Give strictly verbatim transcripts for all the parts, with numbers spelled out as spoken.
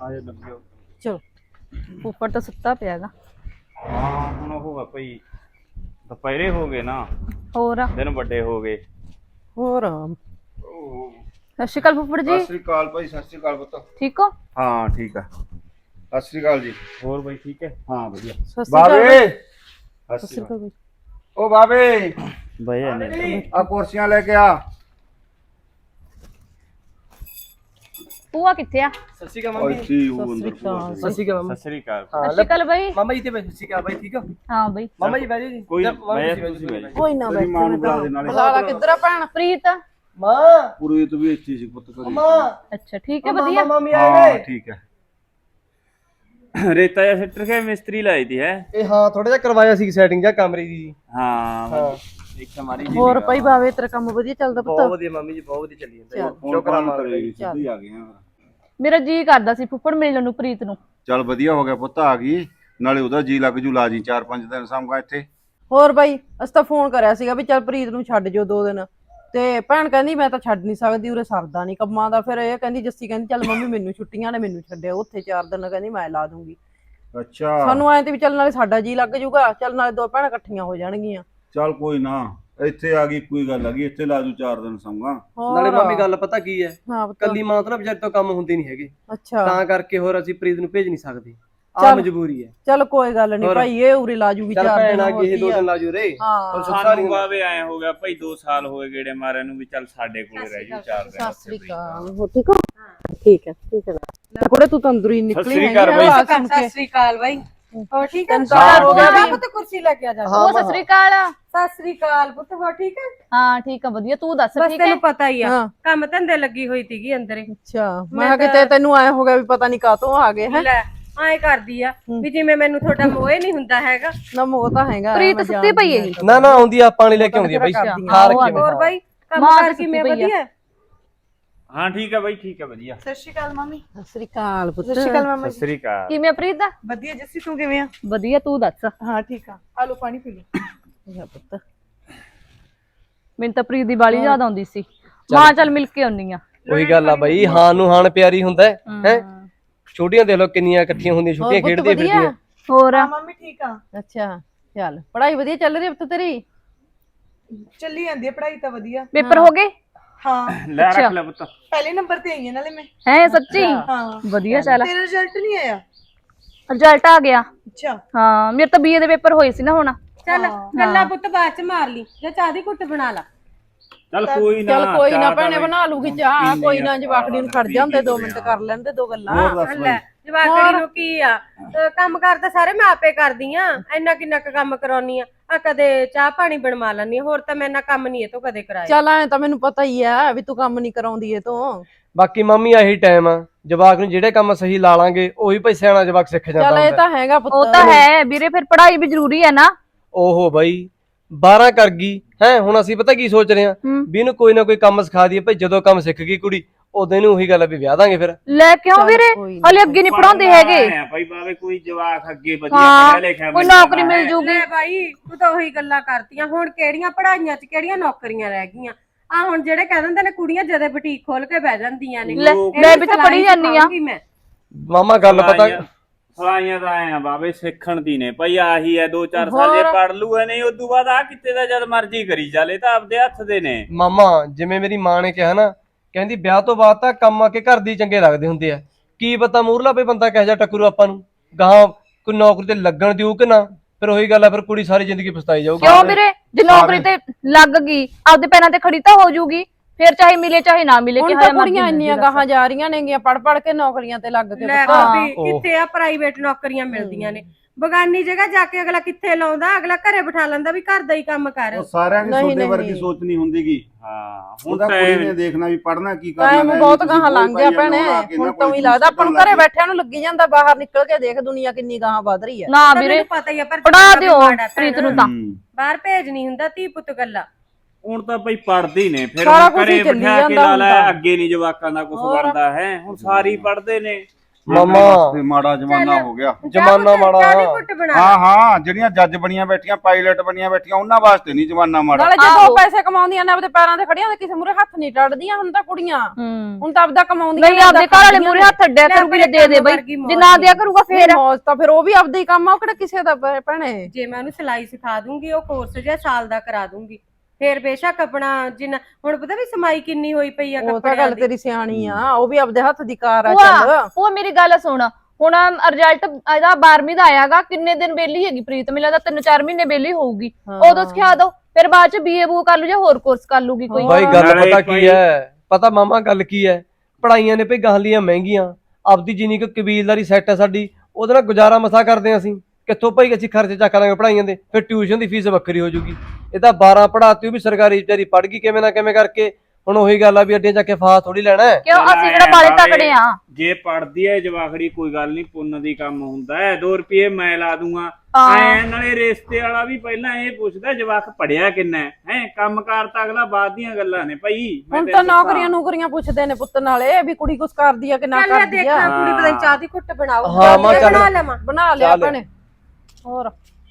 ਆਜੋ ਲੱਗਿਓ। ਚਲੋ ਉੱਪਰ ਤਾਂ ਸੁੱਤਾ ਪਿਆਗਾ। ਹਾਂ ਹੁਣ ਉਹ ਆ ਭਾਈ ਦੁਪਹਿਰੇ ਹੋ ਗਏ ਨਾ, ਹੋਰ ਦਿਨ ਵੱਡੇ ਹੋ ਗਏ। ਹੋਰ ਸਤਿ ਸ਼੍ਰੀ ਅਕਾਲ ਫੁੱਫੜ ਜੀ। ਸਤਿ ਸ੍ਰੀ ਅਕਾਲ ਭਾਈ। ਸਤਿ ਸ੍ਰੀ ਅਕਾਲ ਪੁੱਤ। ਠੀਕ ਹੋ? ਹਾਂ ਠੀਕ ਆ। ਸਤਿ ਸ੍ਰੀ ਅਕਾਲ ਜੀ। ਹੋਰ ਬਾਈ ਠੀਕ ਹੈ? ਹਾਂ ਵਧੀਆ। ਸਤਿ ਸ਼੍ਰੀ ਅਕਾਲ ਬਾਬੇ ਸਤਿ ਸਤਿ ਸ਼੍ਰੀ ਸ੍ਰੀ ਅਕਾਲ। ਅਕਾਲ। ਓ ਬਾਬੇ ਬਾਈ ਨਹੀਂ ਆ ਕੁਰਸੀਆਂ ਲੈ ਕੇ ਆ। ਪੂਆ ਕਿੱਥੇ ਆ? ਸਤਿ ਸ਼੍ਰੀ ਅਕਾਲ ਓਏ ਮੰਮੀ। ਕੀ ਉਹ ਅੰਦਰ ਭੂਆ ਸਤਿ ਸ਼੍ਰੀ ਅਕਾਲ ਮੰਮੀ। ਸਤਿ ਸ੍ਰੀ ਅਕਾਲ। ਹਾਂ ਸਤਿ ਸ਼੍ਰੀ ਅਕਾਲ ਬਾਈ। ਮਾਮਾ ਜੀ ਤੇ ਬੈਠ। ਸਤਿ ਸ਼੍ਰੀ ਅਕਾਲ ਬਾਈ, ਠੀਕ ਹੋ? ਹਾਂ ਬਾਈ। ਮਾਮਾ ਜੀ ਬੈਠੋ ਜੀ। ਕੋਈ ਜਾਂ ਮਾਮਾ ਬਹਿ ਜੀ ਜਾ, ਬੈਠੋ, ਤੁਸੀਂ ਤੁਸੀਂ ਬਹਿ ਜਾ। ਬੈਠੋ। ਕੋਈ ਨਾ ਤੇਰੀ ਮਾਂ ਨੂੰ ਬੁਲਾ ਦੇ ਨਾਲੇ। ਬੁਲਾ ਲਾ। ਕਿੱਧਰ ਆ ਭੈਣ ਪ੍ਰੀਤ? ਮਾਂ ਪੂਰੀ ਤੂੰ ਵੀ ਇੱਥੇ ਸੀ ਪੁੱਤ ਕਰੀ। ਮਾਂ ਅੱਛਾ ਠੀਕ ਹੈ ਵਧੀਆ। ਮਾਮੀ ਆਏ ਹਾਂ ਨੇ। ਠੀਕ ਹੈ। ਰੇਤਾ ਜਾਂ ਸਿੱਟਰ ਕੇ ਮਿਸਤਰੀ ਲਾਈ ਦੀ ਹੈ। ਇਹ ਹਾਂ ਥੋੜਾ ਜਿਹਾ ਕਰਵਾਇਆ ਸੀ ਸੈਟਿੰਗ ਜਾਂ ਕਮਰੇ ਦੀ ਜੀ। ਹਾਂ ਹਾਂ ਇੱਕ ਹਮਾਰੀ ਜੀ ਹੋਰ ਭਾਈ ਬਾਵੇ ਤੇਰਾ ਕੰਮ ਵਧੀਆ ਚੱਲਦਾ ਬਹੁਤ ਪੁੱਤ? ਵਧੀਆ ਮਾਮੀ ਜੀ, ਬਹੁਤ ਵਧੀਆ ਚੱਲੀ ਜਾਂਦਾ ਜੀ। ਫੋਨ ਸ਼ੁਕਰ ਆ ਫਾਨ ਮਾਲਕ ਦਾ ਕਰੇਗੀ ਜੀ। ਸਿੱਧੀ ਆ ਗਏ ਆ। ਮੇਰਾ ਜੀ ਕਰਦਾ ਸੀ ਫੁੱਫੜ ਮਿਲਣ ਨੂੰ ਪ੍ਰੀਤ ਨੂੰ। ਚੱਲ ਵਧੀਆ ਹੋ ਗਿਆ ਪੁੱਤ ਆ ਗਈ, ਨਾਲੇ ਉਹਦਾ ਜੀ ਲੱਗ ਜੂ ਲਾ ਜੀ ਚਾਰ ਪੰਜ ਦਿਨ ਸਾਂਭਾ ਇੱਥੇ। ਹੋਰ ਬਾਈ ਅਸੀਂ ਤਾਂ ਫੋਨ ਕਰਿਆ ਸੀਗਾ ਵੀ ਚੱਲ ਪ੍ਰੀਤ ਨੂੰ ਛੱਡ ਜਿਓ ਦੋ ਦਿਨ, ਤੇ ਭੈਣ ਕਹਿੰਦੀ ਮੈਂ ਤਾਂ ਛੱਡ ਨਹੀਂ ਸਕਦੀ, ਉਰੇ ਸਰਦਾ ਨਹੀਂ ਕੰਮਾਂ ਦਾ। ਫਿਰ ਇਹ ਕਹਿੰਦੀ ਜੱਸੀ ਕਹਿੰਦੀ ਚੱਲ ਮੰਮੀ ਮੈਨੂੰ ਛੁੱਟੀਆਂ ਨੇ, ਮੈਨੂੰ ਛੱਡਿਓ ਉੱਥੇ ਚਾਰ ਦਿਨ, ਕਹਿੰਦੀ ਮੈਂ ਲਾ ਦੂੰਗੀ। ਅੱਛਾ ਸਾਨੂੰ ਐਂ ਤੇ ਵੀ ਚੱਲ ਨਾਲੇ ਸਾਡਾ ਜੀ ਲੱਗ ਜੂਗਾ, ਚੱਲ ਨਾਲੇ ਦੋ ਭੈਣਾਂ ਇਕੱਠੀਆਂ ਹੋ ਜਾਣਗੀਆਂ। ਚੱਲ ਕੋਈ ਨਾ, ਇੱਥੇ ਆ ਗਈ ਕੋਈ ਗੱਲ ਹੈਗੀ, ਇੱਥੇ ਲਾ ਜੂ ਚਾਰ ਦਿਨ ਸਾਂਭਾ। ਨਾਲੇ ਮਾਮੀ ਗੱਲ ਪਤਾ ਕੀ ਹੈ, ਹਾਂ ਪੁੱਤ। ਕੱਲੀ ਮਾਂ ਤੋਂ ਨਾ ਵਿਚਾਰੀ ਤੋਂ ਕੰਮ ਹੁੰਦੇ ਨਹੀਂ ਹੈਗੇ, ਅੱਛਾ ਤਾਂ ਕਰਕੇ ਹੋਰ ਅਸੀਂ ਪ੍ਰੀਤ ਨੂੰ ਭੇਜ ਨਹੀਂ ਸਕਦੇ। ਆ ਚੱਲ। ਮਜਬੂਰੀ ਹੈ। ਚੱਲ ਕੋਈ ਗੱਲ ਨਹੀਂ ਹੋਰ। ਭਾਈ, ਇਹ ਉਰੇ ਲਾ ਜੂਗੀ ਚੱਲ ਚਾਰ ਭੈਣ ਦਿਨ। ਆ ਹੋਰ ਗਈ ਇਹ ਕੀ ਦੋ ਆ। ਦਿਨ ਲਾ ਜੂ ਰੇ। ਹਾਂ ਸਾਨੂੰ ਬਾਵੇ ਆਏ ਹੋ ਗਿਆ ਭਾਈ, ਦੋ ਸਾਲ ਹੋਏ ਗੇੜੇ ਮਾਰਿਆਂ ਨੂੰ ਵੀ ਚੱਲ ਸਾਡੇ ਕੋਲੇ ਰਹਿ ਜੂ ਚਾਰ ਦਿਨ। ਸਤਿ ਸ੍ਰੀ ਅਕਾਲ। ਹੋ ਠੀਕ ਹੋ? ਠੀਕ ਹੈ ਠੀਕ ਹੈ। ਕੁੜੇ ਤੂੰ ਤੰਦੂਰੀ ਨਿਕਲੀ ਸਤਿ ਸ੍ਰੀ ਅਕਾਲ ਬਾਈ। ਸਤਿ ਸ੍ਰੀ ਅਕਾਲ ਬਾਈ। ਹੋਰ ਠੀਕ ਹੈ? ਤੈਨੂੰ ਤਾਂ ਹੋ ਗਿਆ ਵੀ। ਪੁੱਤ ਕੁਰਸੀ ਲੈ ਕੇ ਆ ਜਾ। ਉਹ ਸਤਿ ਸ਼੍ਰੀ ਅਕਾਲ। ਸਤਿ ਸ੍ਰੀ ਅਕਾਲ ਪੁੱਤ, ਹੋਰ ਠੀਕ ਹੈ? ਹਾਂ ਠੀਕ ਆ ਵਧੀਆ, ਤੂੰ ਦੱਸ ਬਸ ਠੀਕ ਹੈ? ਤੈਨੂੰ ਪਤਾ ਹੀ ਆ, ਹਾਂ। ਕੰਮ ਧੰਦੇ ਲੱਗੀ ਹੋਈ ਸੀਗੀ ਅੰਦਰੇ। ਅੱਛਾ ਮੈਂ ਕਿਹਾ ਕਿਤੇ ਤੈਨੂੰ ਆਇਆ ਹੋ ਗਿਆ ਵੀ ਪਤਾ ਨਹੀਂ ਕਾਹਤੋਂ ਆ ਗਏ ਹੈ। ਲੈ ਐਂ ਕਰਦੀ ਆ ਵੀ ਜਿਵੇਂ ਮੈਨੂੰ ਤੁਹਾਡਾ ਮੋਹ ਨਹੀਂ ਹੁੰਦਾ ਹੈਗਾ। ਨਾ ਮੋਹ ਤਾਂ ਹੈਗਾ। ਪ੍ਰੀਤ ਸੁੱਤੀ ਪਈ ਹੈਗੀ। ਨਾ ਨਾ ਆਉਂਦੀ ਆ, ਪਾਣੀ ਲੈ ਕੇ ਆਉਂਦੀ ਆ ਬਾਈ। ਖਾ ਰੱਖੀ ਮੈਂ। ਹੋਰ ਬਾਈ ਕੰਮ ਮਾਂ ਕਰ ਤਾਂ ਕਿਵੇਂ ਸੁੱਤੀ ਪਈ ਆ। ਵਧੀਆ? ਹਾਂ ਠੀਕ ਹੈ ਬਾਈ, ਠੀਕ ਹੈ ਵਧੀਆ। ਸਤਿ ਸ਼੍ਰੀ ਅਕਾਲ ਮਾਮੀ। ਸਤਿ ਸ੍ਰੀ ਅਕਾਲ ਪੁੱਤ। ਸਤਿ ਸ਼੍ਰੀ ਅਕਾਲ ਮਾਮਾ ਸਤਿ ਸ੍ਰੀ ਅਕਾਲ। ਕਿਵੇਂ ਆ ਪ੍ਰੀਤ ਦਾ? ਵਧੀਆ ਜੱਸੀ, ਤੂੰ ਕਿਵੇਂ ਆ? ਵਧੀਆ, ਤੂੰ ਦੱਸ। ਹਾਂ ਠੀਕ ਆ, ਆ ਲੋ ਪਾਣੀ ਪੀ ਲੋ। ਜਾ ਪੁੱਤ। ਮੈਨੂੰ ਤਾਂ ਪ੍ਰੀਤ ਦੀ ਬਾਲੀ ਯਾਦ ਆਉਂਦੀ ਸੀ, ਮਾਂ ਚੱਲ ਮਿਲ ਕੇ ਆਉਣੀ ਆ। ਉਹੀ ਗੱਲ ਆ ਬਾਈ, ਹਾਂ ਨੂੰ ਹਾਨ ਪਿਆਰੀ ਹੁੰਦਾ ਹੈ ਹੈ। ਛੋਟੀਆਂ ਦੇਖ ਲਓ ਕਿੰਨੀਆਂ ਇਕੱਠੀਆਂ ਹੁੰਦੀਆਂ, ਛੁੱਟੀਆਂ ਪੁੱਤ ਖੇਡਦੀਆਂ ਵਧੀਆ? ਫਿਰਦੀਆਂ। ਹੋਰ ਹਾਂ ਮੰਮੀ ਠੀਕ ਆ, ਅੱਛਾ ਚੱਲ ਪੜ੍ਹਾਈ ਵਧੀਆ ਚੱਲ ਰਹੀ ਹੈ ਪੁੱਤ ਤੇਰੀ? ਚੱਲੀ ਜਾਂਦੀ ਹੈ ਪੜ੍ਹਾਈ ਤਾਂ ਵਧੀਆ। ਪੇਪਰ ਹੋ ਗਏ? ਹਾਂ ਲੈ ਰੱਖ ਲੈ ਪੁੱਤ। ਪਹਿਲੇ ਨੰਬਰ ਤੇ ਆਈ ਹਾਂ ਨਾਲੇ ਮੈਂ। ਹੈ ਸੱਚੀ? ਹਾਂ ਵਧੀਆ ਚੱਲ। ਤੇਰਾ ਰਿਜ਼ਲਟ ਨਹੀਂ ਆਇਆ? ਰਿਜ਼ਲਟ ਆ ਗਿਆ। ਅੱਛਾ ਹਾਂ ਮੇਰੇ ਤਾਂ ਬੀਏ ਦੇ ਪੇਪਰ ਹੋਏ ਸੀ ਨਾ ਹੁਣ। ਚੱਲ ਗੱਲਾਂ ਪੁੱਤ ਬਾਅਦ ਚ ਮਾਰ ਲਈ, ਜਾਂ ਚਾਹ ਦੀ ਘੁੱਟ ਬਣਾ ਲਾ। ਚੱਲ ਕੋਈ ਨਾ, ਚੱਲ ਕੋਈ ਨਾ ਚਾਹ ਤਾਂ ਭੈਣੇ ਬਾਈ ਬਣਾ ਲੂਗੀ ਚਾਹ, ਕੋਈ ਨਾ ਜਵਾਕੜੀ ਨੂੰ ਖੜ ਜਾਂਦੇ ਦੋ ਮਿੰਟ ਕਰ ਲੈਂਦੇ ਦੋ ਗੱਲਾਂ। ਲੈ ਜਵਾਕੜੀ ਨੂੰ ਕੀ ਆ, ਅਹ ਕੰਮ ਕਰ ਤਾਂ ਸਾਰੇ ਮੈਂ ਆਪੇ ਕਰਦੀ ਆ, ਇੰਨਾ ਕਿੰਨਾ ਕੁ ਕੰਮ ਕਰਾਉਣੀ ਆ। ਆ ਕਦੇ ਚਾਹ ਪਾਣੀ ਬਣਵਾ ਲੈਣੀ, ਹੋਰ ਤਾਂ ਮੈਂ ਇੰਨਾ ਕੰਮ ਨਹੀਂ ਇਹ ਤੋਂ ਕਦੇ ਕਰਾਇਆ। ਚੱਲ ਐ ਤਾਂ ਮੈਨੂੰ ਪਤਾ ਹੀ ਆ ਵੀ ਤੂੰ ਕੰਮ ਨਹੀਂ ਕਰਾਉਂਦੀ ਇਹ ਤੋਂ। ਬਾਕੀ ਮੰਮੀ ਆਹੀ ਟਾਈਮ ਆ, ਜਵਾਕ ਨੂੰ ਜਿਹੜੇ ਕੰਮ ਸਹੀ ਲਾ ਲਾਂਗੇ ਉਹੀ ਭਾਈ ਸਿਆਣਾ ਜਵਾਕ ਸਿੱਖ ਜਾਂਦਾ ਚੱਲ ਇਹ ਹੁੰਦਾ। ਤਾਂ ਹੈਗਾ ਪੁੱਤ। ਉਹ ਤਾਂ ਹੈ ਵੀਰੇ, ਫਿਰ ਪੜ੍ਹਾਈ ਵੀ ਜ਼ਰੂਰੀ ਹੈ ਨਾ। ਓਹੋ ਬਾਈ ਬਾਰਾਂ ਕਰ ਗਈ ਹੈ, ਹੁਣ ਅਸੀਂ ਪਤਾ ਕੀ ਸੋਚ ਰਹੇ ਆ ਵੀ ਇਹਨੂੰ ਕੋਈ ਨਾ ਕੋਈ ਕੰਮ ਸਿਖਾ ਦਈਏ ਭਾਈ, ਜਦੋਂ ਕੰਮ ਸਿੱਖ ਗਈ ਕੁੜੀ ਉਦੋਂ ਇਹਨੂੰ ਉਹੀ ਗੱਲ ਆ ਵੀ ਵਿਆਹ ਦਾਂਗੇ ਫਿਰ। ਲੈ ਕਿਉਂ ਵੀਰੇ, ਹਲੇ ਅੱਗੇ ਨਹੀਂ ਪੜਾਉਂਦੇ ਹੈਗੇ। ਆਏ ਭਾਈ ਬਾਵੇ ਕੋਈ ਜਵਾਕ ਅੱਗੇ ਵਧੀਆ ਹਾਂ ਪੜ੍ਹਿਆ ਲਿਖਿਆ ਕੋਈ ਬੰਦਾ ਨੌਕਰੀ ਮਿਲ ਹੈ। ਜੂਗੀ। ਲੈ ਬਾਈ ਤੂੰ ਤਾਂ ਉਹੀ ਗੱਲਾਂ ਕਰਤੀਆਂ, ਹੁਣ ਕਿਹੜੀਆਂ ਪੜਾਈਆਂ ਚ ਕਿਹੜੀਆਂ ਨੌਕਰੀਆਂ ਰਹਿ ਗਈਆਂ। ਆ ਹੁਣ ਜਿਹੜੇ ਕਹਿ ਦਿੰਦੇ ਨੇ ਕੁੜੀਆਂ ਜਦੇ ਬੁਟੀਕ ਖੋਲ ਕੇ ਬਹਿ ਜਾਂਦੀਆਂ ਨੇ। ਲੈ ਮੈਂ ਵੀ ਤਾਂ ਪੜੀ ਜਾਂਦੀ ਆ। ਮੈਂ ਮਾਮਾ ਗੱਲ ਪਤਾ ਸਲਾਈਆਂ ਤਾਂ ਆਏ ਆ ਬਾਵੇ ਸਿੱਖਣ ਦੀ ਨੇ ਭਾਈ, ਆਹੀ ਹੈ ਦੋ ਚਾਰ ਸਾਲ ਜੇ ਪੜ ਲੂ ਹੈ, ਨਹੀਂ ਉਦੋਂ ਬਾਅਦ ਆ ਕਿਤੇ ਦਾ ਜਦ ਮਰਜ਼ੀ ਕਰੀ ਚੱਲੇ, ਤਾਂ ਆਪਦੇ ਹੱਥ ਦੇ ਨੇ। ਮਾਮਾ ਜਿਵੇਂ ਮੇਰੀ ਮਾਂ ਨੇ ਕਿਹਾ ਨਾ, ਕਹਿੰਦੀ ਵਿਆਹ ਤੋਂ ਬਾਅਦ ਤਾਂ ਕੰਮ ਆ ਕੇ ਘਰ ਦੀ ਚੰਗੇ ਲੱਗਦੇ ਹੁੰਦੇ ਆ। ਕੀ ਪਤਾ ਮੂਰਲਾ ਪਈ ਬੰਦਾ ਕਿਹੋ ਜਿਹਾ ਟੱਕਰੂ ਆਪਾਂ ਨੂੰ, ਗਾਹਾਂ ਕੋਈ ਨੌਕਰੀ ਤੇ ਲੱਗਣ ਦਿਓ ਕਿ ਨਾ, ਫਿਰ ਉਹੀ ਗੱਲ ਆ, ਫਿਰ ਕੁੜੀ ਸਾਰੀ ਜ਼ਿੰਦਗੀ ਪਛਤਾਈ ਜਾਊਗੀ। ਕਿਉਂ ਵੀਰੇ, ਜੇ ਨੌਕਰੀ ਤੇ ਲੱਗ ਗਈ ਆਪਦੇ ਪੈਰਾਂ ਤੇ ਖੜੀ ਤਾਂ ਹੋ ਜੂਗੀ, ਫਿਰ ਚਾਹੇ ਮਿਲੇ ਚਾਹੇ ਨਾ ਮਿਲੇ। ਹੁਣ ਤਾਂ ਕੁੜੀਆਂ ਇੰਨੀਆਂ ਗਾਹਾਂ ਜਾ ਰਹੀਆਂ ਨੇਗੀਆਂ ਪੜ ਪੜ ਕੇ ਨੌਕਰੀਆਂ ਤੇ ਲੱਗ ਕੇ। ਲੈ ਭਾਬੀ ਕਿੱਥੇ ਆ ਪ੍ਰਾਈਵੇਟ ਨੌਕਰੀਆਂ ਮਿਲਦੀਆਂ ਨੇ, ਬਗਾਨੀ ਜਗ੍ਹਾ ਜਾ ਕੇ ਅਗਲਾ ਕਿੱਥੇ ਲਾਉਂਦਾ, ਅਗਲਾ ਘਰੇ ਬਿਠਾ ਲੈਂਦਾ ਵੀ ਘਰ ਦਾ ਹੀ ਕੰਮ ਕਰ। ਉਹ ਸਾਰਿਆਂ ਦੀ ਤੁਹਾਡੇ ਵਰਗੀ ਸੋਚ ਨਹੀਂ ਹੁੰਦੀਗੀ। ਹਾਂ ਹੁਣ ਤਾਂ ਕੁੜੀ ਨੇ ਦੇਖਣਾ ਵੀ ਪੜਨਾ ਕੀ ਕਰਨਾ ਟਾਈਮ ਹੈ। ਬਹੁਤ ਗਾਹਾਂ ਲੰਘ ਗਿਆ ਭੈਣੇ, ਹੁਣ ਤਾਂ ਹੀ ਲੱਗਦਾ ਆਪਾਂ ਨੂੰ ਘਰੇ ਬੈਠਿਆਂ ਨੂੰ ਲੱਗੀ ਜਾਂਦਾ, ਬਾਹਰ ਨਿਕਲ ਕੇ ਦੇਖ ਦੁਨੀਆ ਕਿੰਨੀ ਗਾਹਾਂ ਵੱਧ ਰਹੀ ਹੈ। ਨਾ ਵੀਰੇ ਪਤਾ ਹੀ ਆ, ਪਰ ਪੜਾ ਦਿਓ ਪ੍ਰੀਤ ਨੂੰ ਤਾਂ। ਬਾਹਰ ਭੇਜ ਨਹੀਂ ਹੁੰਦਾ ਧੀ ਪੁੱਤ ਗੱਲਾਂ। ਹੁਣ ਤਾਂ ਭਾਈ ਪੜਦੇ ਨੇ, ਫਿਰ ਸਾਰਾ ਕੁਛ ਘਰੇ ਹੀ ਚੱਲੀ ਬਿਠਾ ਕੇ ਜਾਂਦਾ ਲਾ ਹੁਣ ਲੈ, ਤਾਂ। ਅੱਗੇ ਨਹੀਂ ਜਵਾਕਾਂ ਦਾ ਕੁਝ ਬਣਦਾ ਹੈ। ਹੁਣ ਸਾਰੀ ਪੜਦੇ ਨੇ, ਮਾਮਾ ਤੇ ਮਾੜਾ ਜ਼ਮਾਨਾ ਹੋ ਗਿਆ। ਜ਼ਮਾਨਾ ਮਾੜਾ। ਚਾਹ ਦੀ ਘੁੱਟ ਬਣਾ ਹਾਂ ਹਾਂ, ਜਿਹੜੀਆਂ ਜੱਜ ਬਣੀਆਂ ਬੈਠੀਆਂ, ਪਾਇਲਟ ਬਣੀਆਂ ਬੈਠੀਆਂ, ਉਹਨਾਂ ਵਾਸਤੇ ਨਹੀਂ ਜ਼ਮਾਨਾ ਮਾੜਾ। ਨਾਲੇ ਜਦੋਂ ਪੈਸੇ ਕਮਾਉਂਦੀਆਂ ਨੇ ਆਪਦੇ ਪੈਰਾਂ ਤੇ ਖੜੀਆਂ, ਕਿਸੇ ਮੂਰੇ ਹੱਥ ਨਹੀਂ ਟੱਟਦੀਆਂ ਹੁਣ ਤਾਂ ਕੁੜੀਆਂ। ਹੂੰ ਹੁਣ ਤਾਂ ਆਪਦਾ ਕਮਾਉਂਦੀਆਂ ਨਹੀਂ ਆਪਦੇ ਘਰ ਵਾਲੇ ਮੂਰੇ ਹੱਥ ਅੱਡਿਆ ਕਰੂਗੀ ਜੇ ਦੇ ਦੇ ਬਈ, ਜੇ ਨਾ ਦਿਆ ਕਰੂਗਾ ਫੇਰ ਮੌਜ ਤਾਂ ਫਿਰ ਉਹ ਵੀ ਆਪਦਾ ਹੀ ਕੰਮ ਆ, ਉਹ ਕਿਹੜਾ ਕਿਸੇ ਦਾ ਭੈ- ਭੈਣੇ। ਜੇ ਮੈਂ ਉਹਨੂੰ ਸਿਲਾਈ ਸਿਖਾ ਦੂੰਗੀ, ਉਹ ਕੋਰਸ ਜਿਹਾ ਸਾਲ ਦਾ ਕਰਾ ਦੂੰਗੀ, ਫੇਰ ਬੇਸ਼ੱਕ ਆਪਣਾ ਜਿੰਨਾ ਹੁਣ ਪਤਾ ਵੀ ਸਮਾਈ ਕਿੰਨੀ ਹੋਈ ਪਈ ਆ ਉਹ ਤਾਂ ਕੱਪੜਿਆਂ ਗੱਲ ਦੀ। ਤੇਰੀ ਸਿਆਣੀ ਆ, ਉਹ ਵੀ ਆਪਦੇ ਹੱਥ ਦੀ ਕਾਰ ਆ। ਭੂਆ ਚੱਲ ਉਹ ਮੇਰੀ ਗੱਲ ਸੁਣ, ਹੁਣ ਰਿਜ਼ਲਟ ਇਹਦਾ ਬਾਰਵੀਂ ਦਾ ਆਇਆਗਾ, ਕਿੰਨੇ ਦਿਨ ਵਿਹਲੀ ਹੈਗੀ ਪ੍ਰੀਤ, ਮੈਨੂੰ ਲੱਗਦਾ ਤਿੰਨ ਚਾਰ ਮਹੀਨੇ ਵਿਹਲੀ ਹੋਊਗੀ, ਉਦੋਂ ਸਿਖਾ ਦੋ, ਫਿਰ ਬਾਅਦ ਚ ਬੀਏ ਬੂ ਕਰ ਲੂ ਜਾਂ ਹੋਰ ਕੋਰਸ ਕਰ ਲੂਗੀ ਕੋਈ। ਬਾਈ ਗੱਲ ਨਾਲੇ ਪਤਾ ਭਾਈ- ਕੀ ਹੈ, ਪਤਾ ਮਾਮਾ ਗੱਲ ਕੀ ਹੈ, ਪੜਾਈਆਂ ਨੇ ਭਈ ਗਾਹਲੀਆਂ ਮਹਿੰਗੀਆਂ, ਆਪਦੀ ਜਿੰਨੀ ਕੁ ਕਬੀਲਦਾਰੀ ਸੈੱਟ ਹੈ ਸਾਡੀ, ਉਹਦੇ ਨਾਲ ਗੁਜ਼ਾਰਾ ਮਸਾ ਕਰਦੇ ਹਾਂ ਅਸੀਂ। ਕਿੱਥੋਂ ਭਾਈ ਅਸੀਂ ਖਰਚੇ ਚੱਕ ਲਾਂਗੇ ਪੜਾਈਆਂ ਦੇ, ਫਿਰ ਟਿਊਸ਼ਨ ਦੀ ਫੀਸ ਵੱਖਰੀ ਹੋ ਜੂਗੀ। ਇਹ ਤਾਂ ਬਾਰਾਂ ਪੜਾਤੀ, ਉਹ ਵੀ ਸਰਕਾਰੀ ਵਿਚਾਰੀ ਪੜ ਗਈ ਕਿਵੇਂ ਨਾ ਕਿਵੇਂ ਕਰਕੇ। ਹੁਣ ਉਹੀ ਗੱਲ ਆ ਵੀ ਅੱਡੇ ਜਾ ਕੇ ਫਾਸ ਥੋੜੀ ਲੈਣਾ ਹੈ। ਕਿਉਂ ਅਸੀਂ ਕਿਹੜਾ ਬਾਲੇ ਤਕੜੇ ਆ। ਜੇ ਪੜਦੀ ਐ ਜਵਾਖੜੀ ਕੋਈ ਗੱਲ ਨਹੀਂ, ਪੁੰਨ ਦੀ ਕੰਮ ਹੁੰਦਾ ਹੈ, ਦੋ ਰੁਪਏ ਮੈਂ ਲਾ ਦੂੰਗਾ ਹਾਂ। ਐ। ਨਾਲੇ ਰਿਸ਼ਤੇ ਵਾਲਾ ਵੀ ਪਹਿਲਾਂ ਇਹ ਪੁੱਛਦਾ ਜਵਾਕ ਪੜਿਆ ਕਿੰਨਾ ਹੈ, ਹੈ ਕੰਮਕਾਰ ਤਾਂ ਅਗਲਾ ਬਾਅਦ ਦੀਆਂ ਗੱਲਾਂ ਨੇ ਭਾਈ। ਮੈਂ ਹੁਣ ਤੈਨੂੰ ਤਾਂ ਦੱਸਾਂ। ਨੌਕਰੀਆਂ ਨੌਕਰੀਆਂ ਪੁੱਛਦੇ ਨੇ ਪੁੱਤ ਨਾਲੇ ਵੀ ਕੁੜੀ ਕੁਛ ਕਰਦੀ ਆ ਕਿ ਨਾ ਚੱਲ ਮੈਂ ਕਰਦੀ ਦੇਖਾਂ ਆ। ਕੁੜੀ ਪਤਾ ਨੀ ਚਾਹ ਦੀ ਘੁੱਟ ਬਣਾਉ। ਹਾਂ, ਮਾਂ ਚੱਲ। ਬਣਾ ਲਵਾਂ। ਬਣਾ ਲਿਆ ਚੱਲ। ਭੈਣੇ। ਹੋਰ